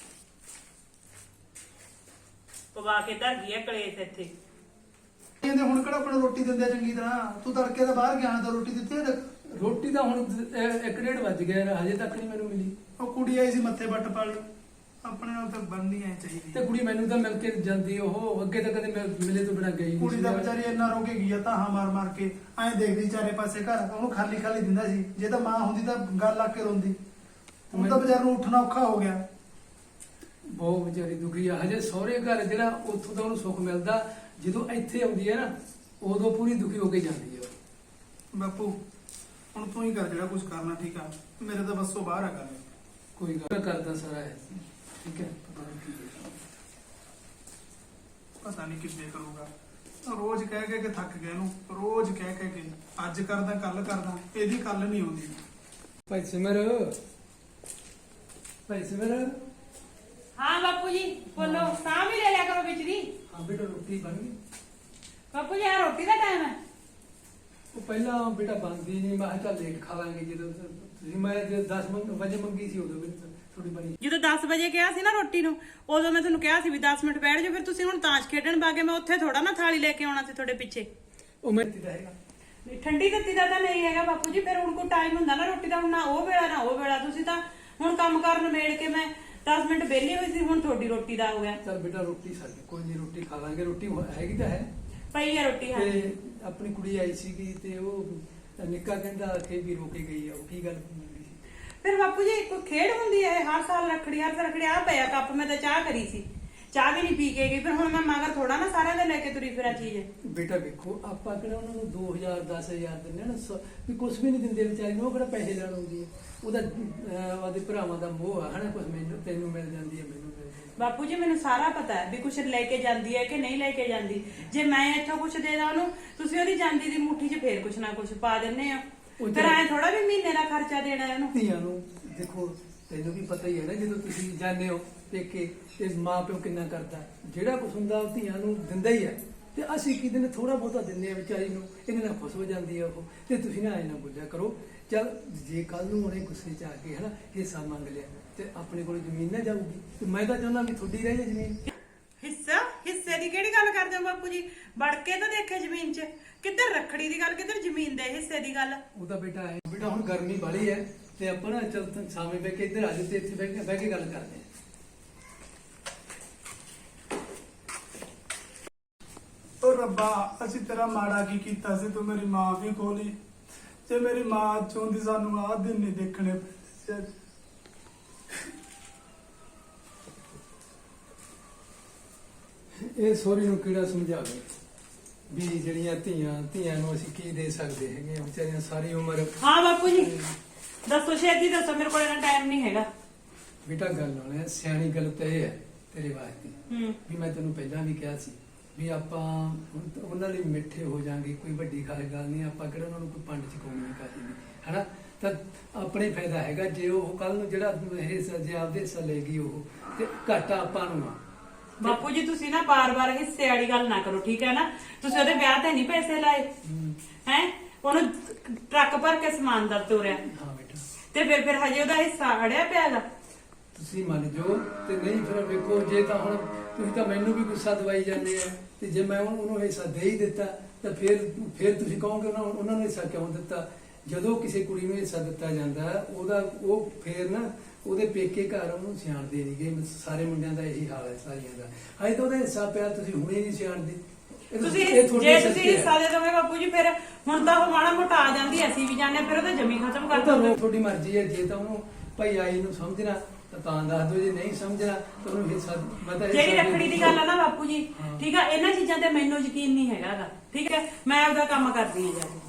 ਪਵਾ ਕੇ ਧਰ ਗਈ ਹੈ ਕਲੇਸ਼ ਇੱਥੇ।
ਕਹਿੰਦੇ ਹੁਣ ਕਿਹੜਾ ਆਪਣਾ ਰੋਟੀ ਦਿੰਦੇ ਆ ਚੰਗੀ ਤਰ੍ਹਾਂ, ਤੂੰ ਤੜਕੇ ਦਾ ਬਾਹਰ ਗਿਆ ਤਾਂ ਰੋਟੀ ਦਿੱਤੀ ਹੈ?
ਰੋਟੀ ਤਾਂ ਹੁਣ ਅਹ, ਇੱਕ ਡੇਢ ਵੱਜ ਗਿਆ ਯਾਰ, ਹਜੇ ਤੱਕ ਨਹੀਂ ਮੈਨੂੰ ਮਿਲੀ।
ਉਹ ਕੁੜੀ ਆਈ ਸੀ ਮੱਥੇ ਵੱਟ ਪਾਲੀ, ਆਪਣੇ ਨਾਲ ਤਾਂ ਬਣਨੀ ਐ ਚਾਹੀਦੀ।
ਤੇ ਕੁੜੀ ਮੈਨੂੰ ਤਾਂ ਮਿਲ ਕੇ ਜਾਂਦੀ, ਉਹ ਅੱਗੇ ਤਾਂ ਕਦੇ ਮਿਲ- ਮਿਲੇ ਤੋਂ ਬਿਨਾਂ ਗਈ ਨਹੀਂ
ਕੁੜੀ
ਸੀ
ਦਾ
ਯਾਰ।
ਵਿਚਾਰੀ ਇੰਨਾ ਰੋ ਕੇ ਗਈ ਆ ਤਾਂ ਮਾਰ ਮਾਰ ਕੇ ਐਂ ਦੇਖਦੀ ਚਾਰੇ ਪਾਸੇ ਘਰ, ਉਹਨੂੰ ਖਾਲੀ ਖਾਲੀ ਦਿੰਦਾ ਸੀ। ਜੇ ਤਾਂ ਮਾਂ ਹੁੰਦੀ ਤਾਂ ਗੱਲ ਲਾ ਕੇ ਰੋਂਦੀ, ਹੁਣ ਤਾਂ ਵਿਚਾਰ ਨੂੰ ਉੱਠਣਾ ਔਖਾ ਹੋ ਗਿਆ।
ਬਹੁਤ ਵਿਚਾਰੀ ਦੁਖੀ ਆ। ਹਜੇ ਸਹੁਰੇ ਘਰ ਜਿਹੜਾ ਉੱਥੋਂ ਦਾ ਉਹਨੂੰ ਸੁੱਖ ਮਿਲਦਾ, ਜਦੋਂ ਇੱਥੇ ਆਉਂਦੀ ਹੈ ਨਾ ਉਦੋਂ ਪੂਰੀ ਦੁਖੀ ਹੋ ਕੇ ਜਾਂਦੀ ਹੈ।
ਬਾਪੂ ਹੁਣ ਤੂੰ ਹੀ ਕਰ ਜਿਹੜਾ ਕੁਝ ਕਰਨਾ, ਠੀਕ ਆ? ਮੇਰੇ ਤਾਂ ਬੱਸੋਂ ਬਾਹਰ ਆ ਗੱਲ।
ਕੋਈ ਗੱਲ ਕਰਦਾ ਸਾਰਾ ਹੈ, ਠੀਕ ਹੈ। ਪਤਾ ਨਹੀਂ ਕੀ ਹੈ।
ਪਤਾ ਨਹੀਂ ਕਿੱਦੇ ਕਰੂਗਾ। ਰੋਜ਼ ਕਹਿ ਕਹਿ ਕੇ ਥੱਕ ਗਿਆ ਇਹਨੂੰ, ਰੋਜ਼ ਕਹਿ ਕਹਿ ਕੇ ਅੱਜ ਕਰਦਾ ਕੱਲ ਕਰਦਾ, ਇਹਦੀ ਕੱਲ ਨਹੀਂ ਆਉਂਦੀ।
ਭਾਈ ਸਿਮਰ, ਭਾਈ ਸਿਮਰ।
ਹਾਂ ਬਾਪੂ ਜੀ ਬੋਲੋ। ਸਾਹ ਵੀ ਲੈ ਲਿਆ ਕਰੋ ਵਿੱਚ ਦੀ।
ਹਾਂ ਬੇਟਾ ਰੋਟੀ ਬਣ ਗਈ?
ਬਾਪੂ ਜੀ ਆ ਰੋਟੀ ਦਾ ਟਾਈਮ ਹੈ।
ਉਹ ਪਹਿਲਾਂ ਬੇਟਾ ਬਣਦੀ ਨਹੀਂ, ਮੈਂ ਕਿਹਾ ਚੱਲ ਲੇਟ ਖਾ ਲਾਂਗੇ। ਜਦੋਂ ਤੁਸੀਂ ਮੈਂ ਜੇ ਦਸ ਵਜੇ ਮੰਗੀ ਸੀ ਉਦੋਂ ਮੈਨੂੰ ਥੋੜੀ ਬਣੀ।
ਜਦੋਂ ਦਸ ਵਜੇ ਕਿਹਾ ਸੀ ਨਾ ਰੋਟੀ ਨੂੰ, ਉਦੋਂ ਮੈਂ ਤੁਹਾਨੂੰ ਕਿਹਾ ਸੀ ਵੀ ਦਸ ਮਿੰਟ ਬੈਠ ਜਾਓ। ਫਿਰ ਤੁਸੀਂ ਹੁਣ ਤਾਸ਼ ਖੇਡਣ ਬਾਗੇ, ਮੈਂ ਉੱਥੇ ਥੋੜਾ ਨਾ ਥਾਲੀ ਲੈ ਕੇ ਆਉਣਾ ਸੀ ਤੁਹਾਡੇ ਪਿੱਛੇ।
ਉਹ ਮੈਂ ਦਿੱਤਾ ਹੈਗਾ।
ਨਹੀਂ, ਠੰਡੀ ਦਿੱਤੀ ਦਾ ਤਾਂ ਨਹੀਂ ਹੈਗਾ ਬਾਪੂ ਜੀ। ਫਿਰ ਹੁਣ ਕੋਈ ਟਾਈਮ ਹੁੰਦਾ ਨਾ ਰੋਟੀ ਦਾ, ਹੁਣ ਨਾ ਉਹ ਵੇਲਾ ਨਾ ਉਹ ਵੇਲਾ। ਤੁਸੀਂ ਤਾਂ ਹੁਣ ਕੰਮ ਕਰਨ ਮੇੜ ਕੇ ਮੈਂ ਦਸ ਮਿੰਟ ਵਿਹਲੀ ਹੋਈ ਸੀ, ਹੁਣ ਤੁਹਾਡੀ ਰੋਟੀ ਦਾ ਹੋ ਗਿਆ।
ਚੱਲ ਬੇਟਾ ਰੋਟੀ ਸਾਡੀ ਕੋਈ ਨਹੀਂ, ਰੋਟੀ ਖਾ ਲਾਂਗੇ। ਰੋਟੀ ਹੈਗੀ ਤਾਂ ਹੈ।
ਪਈ ਹੈ ਰੋਟੀ। ਹਾਂ
ਤੇ ਆਪਣੀ ਕੁੜੀ ਆਈ ਸੀਗੀ ਤੇ ਉਹ ਨਿੱਕਾ ਕਹਿੰਦਾ ਕਿ ਵੀ ਰੋਕੇ ਗਈ ਆ। ਉਹ ਕੀ ਗੱਲ ਹੁੰਦੀ ਸੀ?
ਫਿਰ ਬਾਪੂ ਜੀ ਕੋਈ ਖੇਡ ਹੁੰਦੀ ਹੈ ਹਰ ਸਾਲ ਰੱਖੜੀ, ਹਰ ਸਾਲ ਰੱਖੜੀ। ਆ ਪਿਆ ਕੱਪ, ਮੈਂ ਤਾਂ ਚਾਹ ਕਰੀ ਸੀ, ਚਾਹ ਵੀ ਨਹੀਂ ਪੀ ਕੇ ਗਈ। ਫਿਰ ਹੁਣ ਮੈਂ ਮਗਰ ਥੋੜਾ ਨਾ ਸਾਰਿਆਂ ਦੇ ਲੈ ਕੇ ਤੁਰੀ ਫਿਰਾਂ ਚੀਜ਼।
ਬੇਟਾ ਵੇਖੋ, ਆਪਾਂ ਕਿਹੜਾ ਉਹਨਾਂ ਨੂੰ ਦੋ ਹਜ਼ਾਰ ਦਸ ਹਜ਼ਾਰ ਦਿੰਦੇ ਨਾ, ਸ- ਵੀ ਕੁਝ ਵੀ ਨਹੀਂ ਦਿੰਦੇ ਵਿਚਾਰੀ ਨੂੰ। ਉਹ ਕਿਹੜਾ ਪੈਸੇ ਲੈਣ ਆਉਂਦੀ ਹੈ? ਉਹਦਾ ਅਹ, ਉਹਦੇ ਭਰਾਵਾਂ ਦਾ ਮੋਹ ਆ ਹਨਾ, ਕੁਝ ਮੈਨੂੰ ਤੈਨੂੰ ਮਿਲ ਜਾਂਦੀ ਹੈ, ਮੈਨੂੰ ਮਿਲ ਜਾਂਦੀ ਹੈ।
ਬਾਪੂ ਜੀ ਮੈਨੂੰ ਸਾਰਾ ਪਤਾ ਹੈ ਵੀ ਕੁਛ ਲੈ ਕੇ ਜਾਂਦੀ ਹੈ ਕਿ ਨਹੀਂ ਲੈ ਕੇ ਜਾਂਦੀ। ਜੇ ਮੈਂ ਇੱਥੋਂ ਕੁਛ ਦੇ ਦਾਂ ਉਹਨੂੰ, ਤੁਸੀਂ ਉਹਦੀ ਜਾਂਦੀ ਦੀ ਮੁੱਠੀ 'ਚ ਫੇਰ ਕੁਛ ਨਾ ਕੁਛ ਪਾ ਦਿੰਨੇ ਆ।
ਉਹ
ਫਿਰ ਐ ਥੋੜਾ ਵੀ ਮਹੀਨੇ ਦਾ ਖਰਚਾ ਦੇਣਾ ਹੈ ਉਹਨੂੰ।
ਧੀਆਂ ਨੂੰ ਦੇਖੋ, ਤੈਨੂੰ ਵੀ ਪਤਾ ਹੀ ਹੈ ਨਾ, ਜਦੋਂ ਤੁਸੀਂ ਜਾਂਦੇ ਹੋ ਪੇਕੇ ਤੇ ਮਾਂ ਪਿਓ ਕਿੰਨਾ ਕਰਦਾ, ਜਿਹੜਾ ਕੁਛ ਹੁੰਦਾ ਉਹ ਧੀਆਂ ਨੂੰ ਦਿੰਦਾ ਹੀ ਹੈ। ਤੇ ਅਸੀਂ ਕੀ ਦਿਨ ਥੋੜਾ ਬਹੁਤਾ ਦਿੰਦੇ ਆ ਵਿਚਾਰੀ ਨੂੰ, ਇਹਦੇ ਨਾਲ ਖੁਸ਼ ਹੋ ਜਾਂਦੀ ਹੈ ਉਹ। ਤੇ ਤੁਸੀਂ ਨਾ ਐ ਨਾ ਬੋਲਿਆ ਕਰੋ। ਚੱਲ ਜੇ ਕੱਲ ਨੂੰ ਉਹਨੇ ਗੁੱਸੇ 'ਚ ਆ ਕੇ ਹਨਾ ਹਿੱਸਾ ਮੰਗ ਲਿਆ ਤੇ ਆਪਣੇ ਕੋਲ ਜ਼ਮੀਨ ਨਾ ਜਾਊਗੀ। ਤੇ ਮੈਂ ਤਾਂ ਚਾਹੁੰਦਾ ਵੀ ਤੁਹਾਡੀ ਰਹੇ ਜ਼ਮੀਨ।
ਹਿੱਸਾ ਹਿੱਸੇ ਦੀ ਕਿਹੜੀ ਗੱਲ ਕਰਦੇ ਹੋ ਬਾਪੂ ਜੀ? ਵੜ ਕੇ ਤਾਂ ਦੇਖੇ ਜ਼ਮੀਨ 'ਚ, ਕਿੱਧਰ ਰੱਖੜੀ ਦੀ ਗੱਲ, ਕਿੱਧਰ ਜ਼ਮੀਨ ਦੇ ਹਿੱਸੇ ਦੀ ਗੱਲ।
ਉਹ ਤਾਂ ਬੇਟਾ ਹੈ। ਬੇਟਾ ਹੁਣ ਗਰਮੀ ਵਾਲੀ ਹੈ ਤੇ ਆਪਾਂ ਨਾ ਚੱਲ ਤੂੰ ਸਾਵੇਂ ਬਹਿ ਕੇ ਇੱਧਰ ਆ ਜਾ ਤੇ ਇੱਥੇ ਬਹਿ ਕੇ ਬਹਿ ਕੇ ਗੱਲ ਕਰਦੇ ਹਾਂ।
ਓ ਰੱਬਾ, ਅਸੀਂ ਤੇਰਾ ਮਾੜਾ ਕੀ ਕੀਤਾ ਸੀ? ਤੂੰ ਮੇਰੀ ਮਾਂ ਵੀ ਖੋਲੀ। ਜੇ ਮੇਰੀ ਮਾਂ ਚਾਹੁੰਦੀ ਸਾਨੂੰ ਆਹ ਦਿਨ ਨਹੀਂ ਦੇਖਣੇ ਪੈਂਦੇ।
ਇਹ ਸੋਰੀ ਨੂੰ ਕਿਹੜਾ ਸਮਝਾਵੇ ਵੀ ਜਿਹੜੀਆਂ ਧੀਆਂ ਧੀਆਂ ਨੂੰ ਅਸੀਂ ਕੀ ਦੇ ਸਕਦੇ ਹੈਗੇ ਆ, ਵਿਚਾਰੀਆਂ ਸਾਰੀ ਉਮਰ।
ਹਾਂ ਬਾਪੂ ਜੀ ਦੱਸੋ, ਛੇਤੀ ਦੱਸੋ, ਮੇਰੇ ਕੋਲ ਇੰਨਾ ਟਾਈਮ ਨਹੀਂ ਹੈਗਾ।
ਬੇਟਾ ਗੱਲ ਹੋਣਾ ਸਿਆਣੀ ਗੱਲ ਤਾਂ ਇਹ ਹੈ ਤੇਰੇ ਵਾਸਤੇ
ਹੂੰ
ਵੀ ਮੈਂ ਤੈਨੂੰ ਪਹਿਲਾਂ ਵੀ ਕਿਹਾ ਸੀ ਵੀ ਆਪਾਂ ਹੁਣ ਤਾਂ ਉਹਨਾਂ ਲਈ ਮਿੱਠੇ ਹੋ ਜਾਾਂਗੇ, ਕੋਈ ਵੱਡੀ ਖਾਸ ਗੱਲ ਨਹੀਂ। ਆਪਾਂ ਕਿਹੜਾ ਉਹਨਾਂ ਨੂੰ ਕੋਈ ਪੰਡ ਚਕਾਉਣੀ ਕਾਹਦੀ ਨਹੀਂ ਹਨਾ। ਤਾਂ ਆਪਣੇ ਫਾਇਦਾ ਹੈਗਾ ਜੇ ਉਹ ਕੱਲ ਨੂੰ ਜਿਹੜਾ ਹਿੱਸਾ ਜੇ ਆਪਦੇ ਹਿੱਸਾ ਲੈ ਗਈ ਉਹ, ਤੇ ਘਾਟਾ ਆਪਾਂ ਨੂੰ ਆ।
ਬਾਪੂ ਜੀ ਤੁਸੀਂ ਨਾ ਬਾਰ-ਬਾਰ ਹਿੱਸੇ ਵਾਲੀ ਗੱਲ ਨਾ ਕਰੋ, ਠੀਕ ਹੈ ਨਾ? ਤੁਸੀਂ ਉਹਦੇ ਵਿਆਹ ਤੇ ਨਹੀਂ ਪੈਸੇ ਲਾਏ ਹੈ, ਉਹਨੂੰ ਟਰੱਕ ਭਰ ਕੇ ਸਮਾਨ ਦਾ ਤੋਰਿਆ
ਹਾਂ ਬੇਟਾ,
ਤੇ ਫਿਰ ਫਿਰ ਹਜੇ ਉਹਦਾ ਹਿੱਸਾ ਅੜਿਆ ਪਿਆਗਾ।
ਤੁਸੀਂ ਮੰਨ ਜਾਓ ਤੇ ਨਹੀਂ ਫਿਰ ਵੇਖੋ, ਜੇ ਤਾਂ ਹੁਣ ਤੁਸੀਂ ਤਾਂ ਮੈਨੂੰ ਵੀ ਗੁੱਸਾ ਦਵਾਈ ਜਾਂਦੇ ਆ, ਤੇ ਜੇ ਮੈਂ ਉਹਨੂੰ ਹਿੱਸਾ ਦੇ ਹੀ ਦਿੱਤਾ ਤਾਂ ਫਿਰ ਫਿਰ ਤੁਸੀਂ ਕਹੋਗੇ ਉਹਨਾਂ ਉਹਨਾਂ ਨੂੰ ਹਿੱਸਾ ਕਿਉਂ ਦਿੱਤਾ? ਜਦੋਂ ਕਿਸੇ ਕੁੜੀ ਨੂੰ ਹਿੱਸਾ ਦਿੱਤਾ ਜਾਂਦਾ ਉਹਦਾ ਉਹ ਫੇਰ ਨਾ ਉਹਦੇ ਪੇਕੇ ਘਰ ਉਹਨੂੰ ਸਿਆਣਦੇ ਨਹੀਂ ਗਏ। ਸਾਰੇ ਮੁੰਡਿਆਂ ਦਾ ਇਹੀ ਹਾਲ ਹੈ ਸਾਰੀਆਂ ਦਾ। ਅਜੇ ਤਾਂ ਉਹਦਾ ਹਿੱਸਾ ਪਿਆ, ਤੁਸੀਂ ਹੁਣੇ ਨਹੀਂ ਸਿਆਣਦੇ।
ਤੁਸੀਂ ਜੇ ਤੁਸੀਂ ਹਿੱਸਾ ਦੇ ਦੋਗੇ ਬਾਪੂ ਜੀ, ਫਿਰ ਹੁਣ ਤਾਂ ਉਹ ਮਾੜਾ ਮੋਟਾ ਆ ਜਾਂਦੀ, ਅਸੀਂ ਵੀ ਜਾਣਦੇ, ਫਿਰ ਉਹਦਾ ਜਮੀ ਖਤਮ ਕਰ ਦੋਗੇ।
ਤੁਹਾਡੀ ਮਰਜ਼ੀ ਹੈ, ਜੇ ਤਾਂ ਉਹਨੂੰ ਭਾਈ ਆਈ ਨੂੰ ਸਮਝਣਾ ਤਾਂ ਤਾਂ ਦੱਸ ਦਿਓ, ਜੇ ਨਹੀਂ ਸਮਝਣਾ ਤਾਂ ਉਹਨੂੰ ਹਿੱਸਾ ਪਤਾ।
ਜਿਹੜੀ ਰੱਖੜੀ ਦੀ ਗੱਲ ਆ ਨਾ ਬਾਪੂ ਜੀ, ਠੀਕ ਆ, ਇਹਨਾਂ ਚੀਜ਼ਾਂ ਤੇ ਮੈਨੂੰ ਯਕੀਨ ਨਹੀਂ ਹੈਗਾ, ਠੀਕ ਹੈ? ਮੈਂ ਆਪਦਾ ਕੰਮ ਕਰਦੀ ਹਾਂ ਜਾ ਕੇ।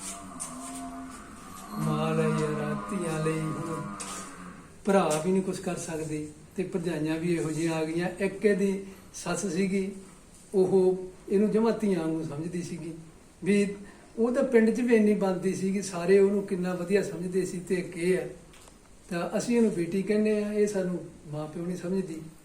ਮਾਲ ਹੈ ਯਾਰ, ਧੀਆਂ ਲਈ ਹੁਣ ਭਰਾ ਵੀ ਨਹੀਂ ਕੁਝ ਕਰ ਸਕਦੇ ਤੇ ਭਰਜਾਈਆਂ ਵੀ ਇਹੋ ਜਿਹੀਆਂ ਆ ਗਈਆਂ। ਇੱਕ ਇਹਦੀ ਸੱਸ ਸੀਗੀ, ਉਹ ਇਹਨੂੰ ਜਮਾਂ ਧੀਆਂ ਨੂੰ ਸਮਝਦੀ ਸੀਗੀ ਵੀ ਉਹ ਤਾਂ ਪਿੰਡ 'ਚ ਵੀ ਇੰਨੀ ਬਣਦੀ ਸੀਗੀ, ਸਾਰੇ ਉਹਨੂੰ ਕਿੰਨਾ ਵਧੀਆ ਸਮਝਦੇ ਸੀ। ਤੇ ਇੱਕ ਇਹ ਹੈ ਤਾਂ ਅਸੀਂ ਇਹਨੂੰ ਬੇਟੀ ਕਹਿੰਦੇ ਆ, ਇਹ ਸਾਨੂੰ ਮਾਂ ਪਿਓ ਨਹੀਂ ਸਮਝਦੀ।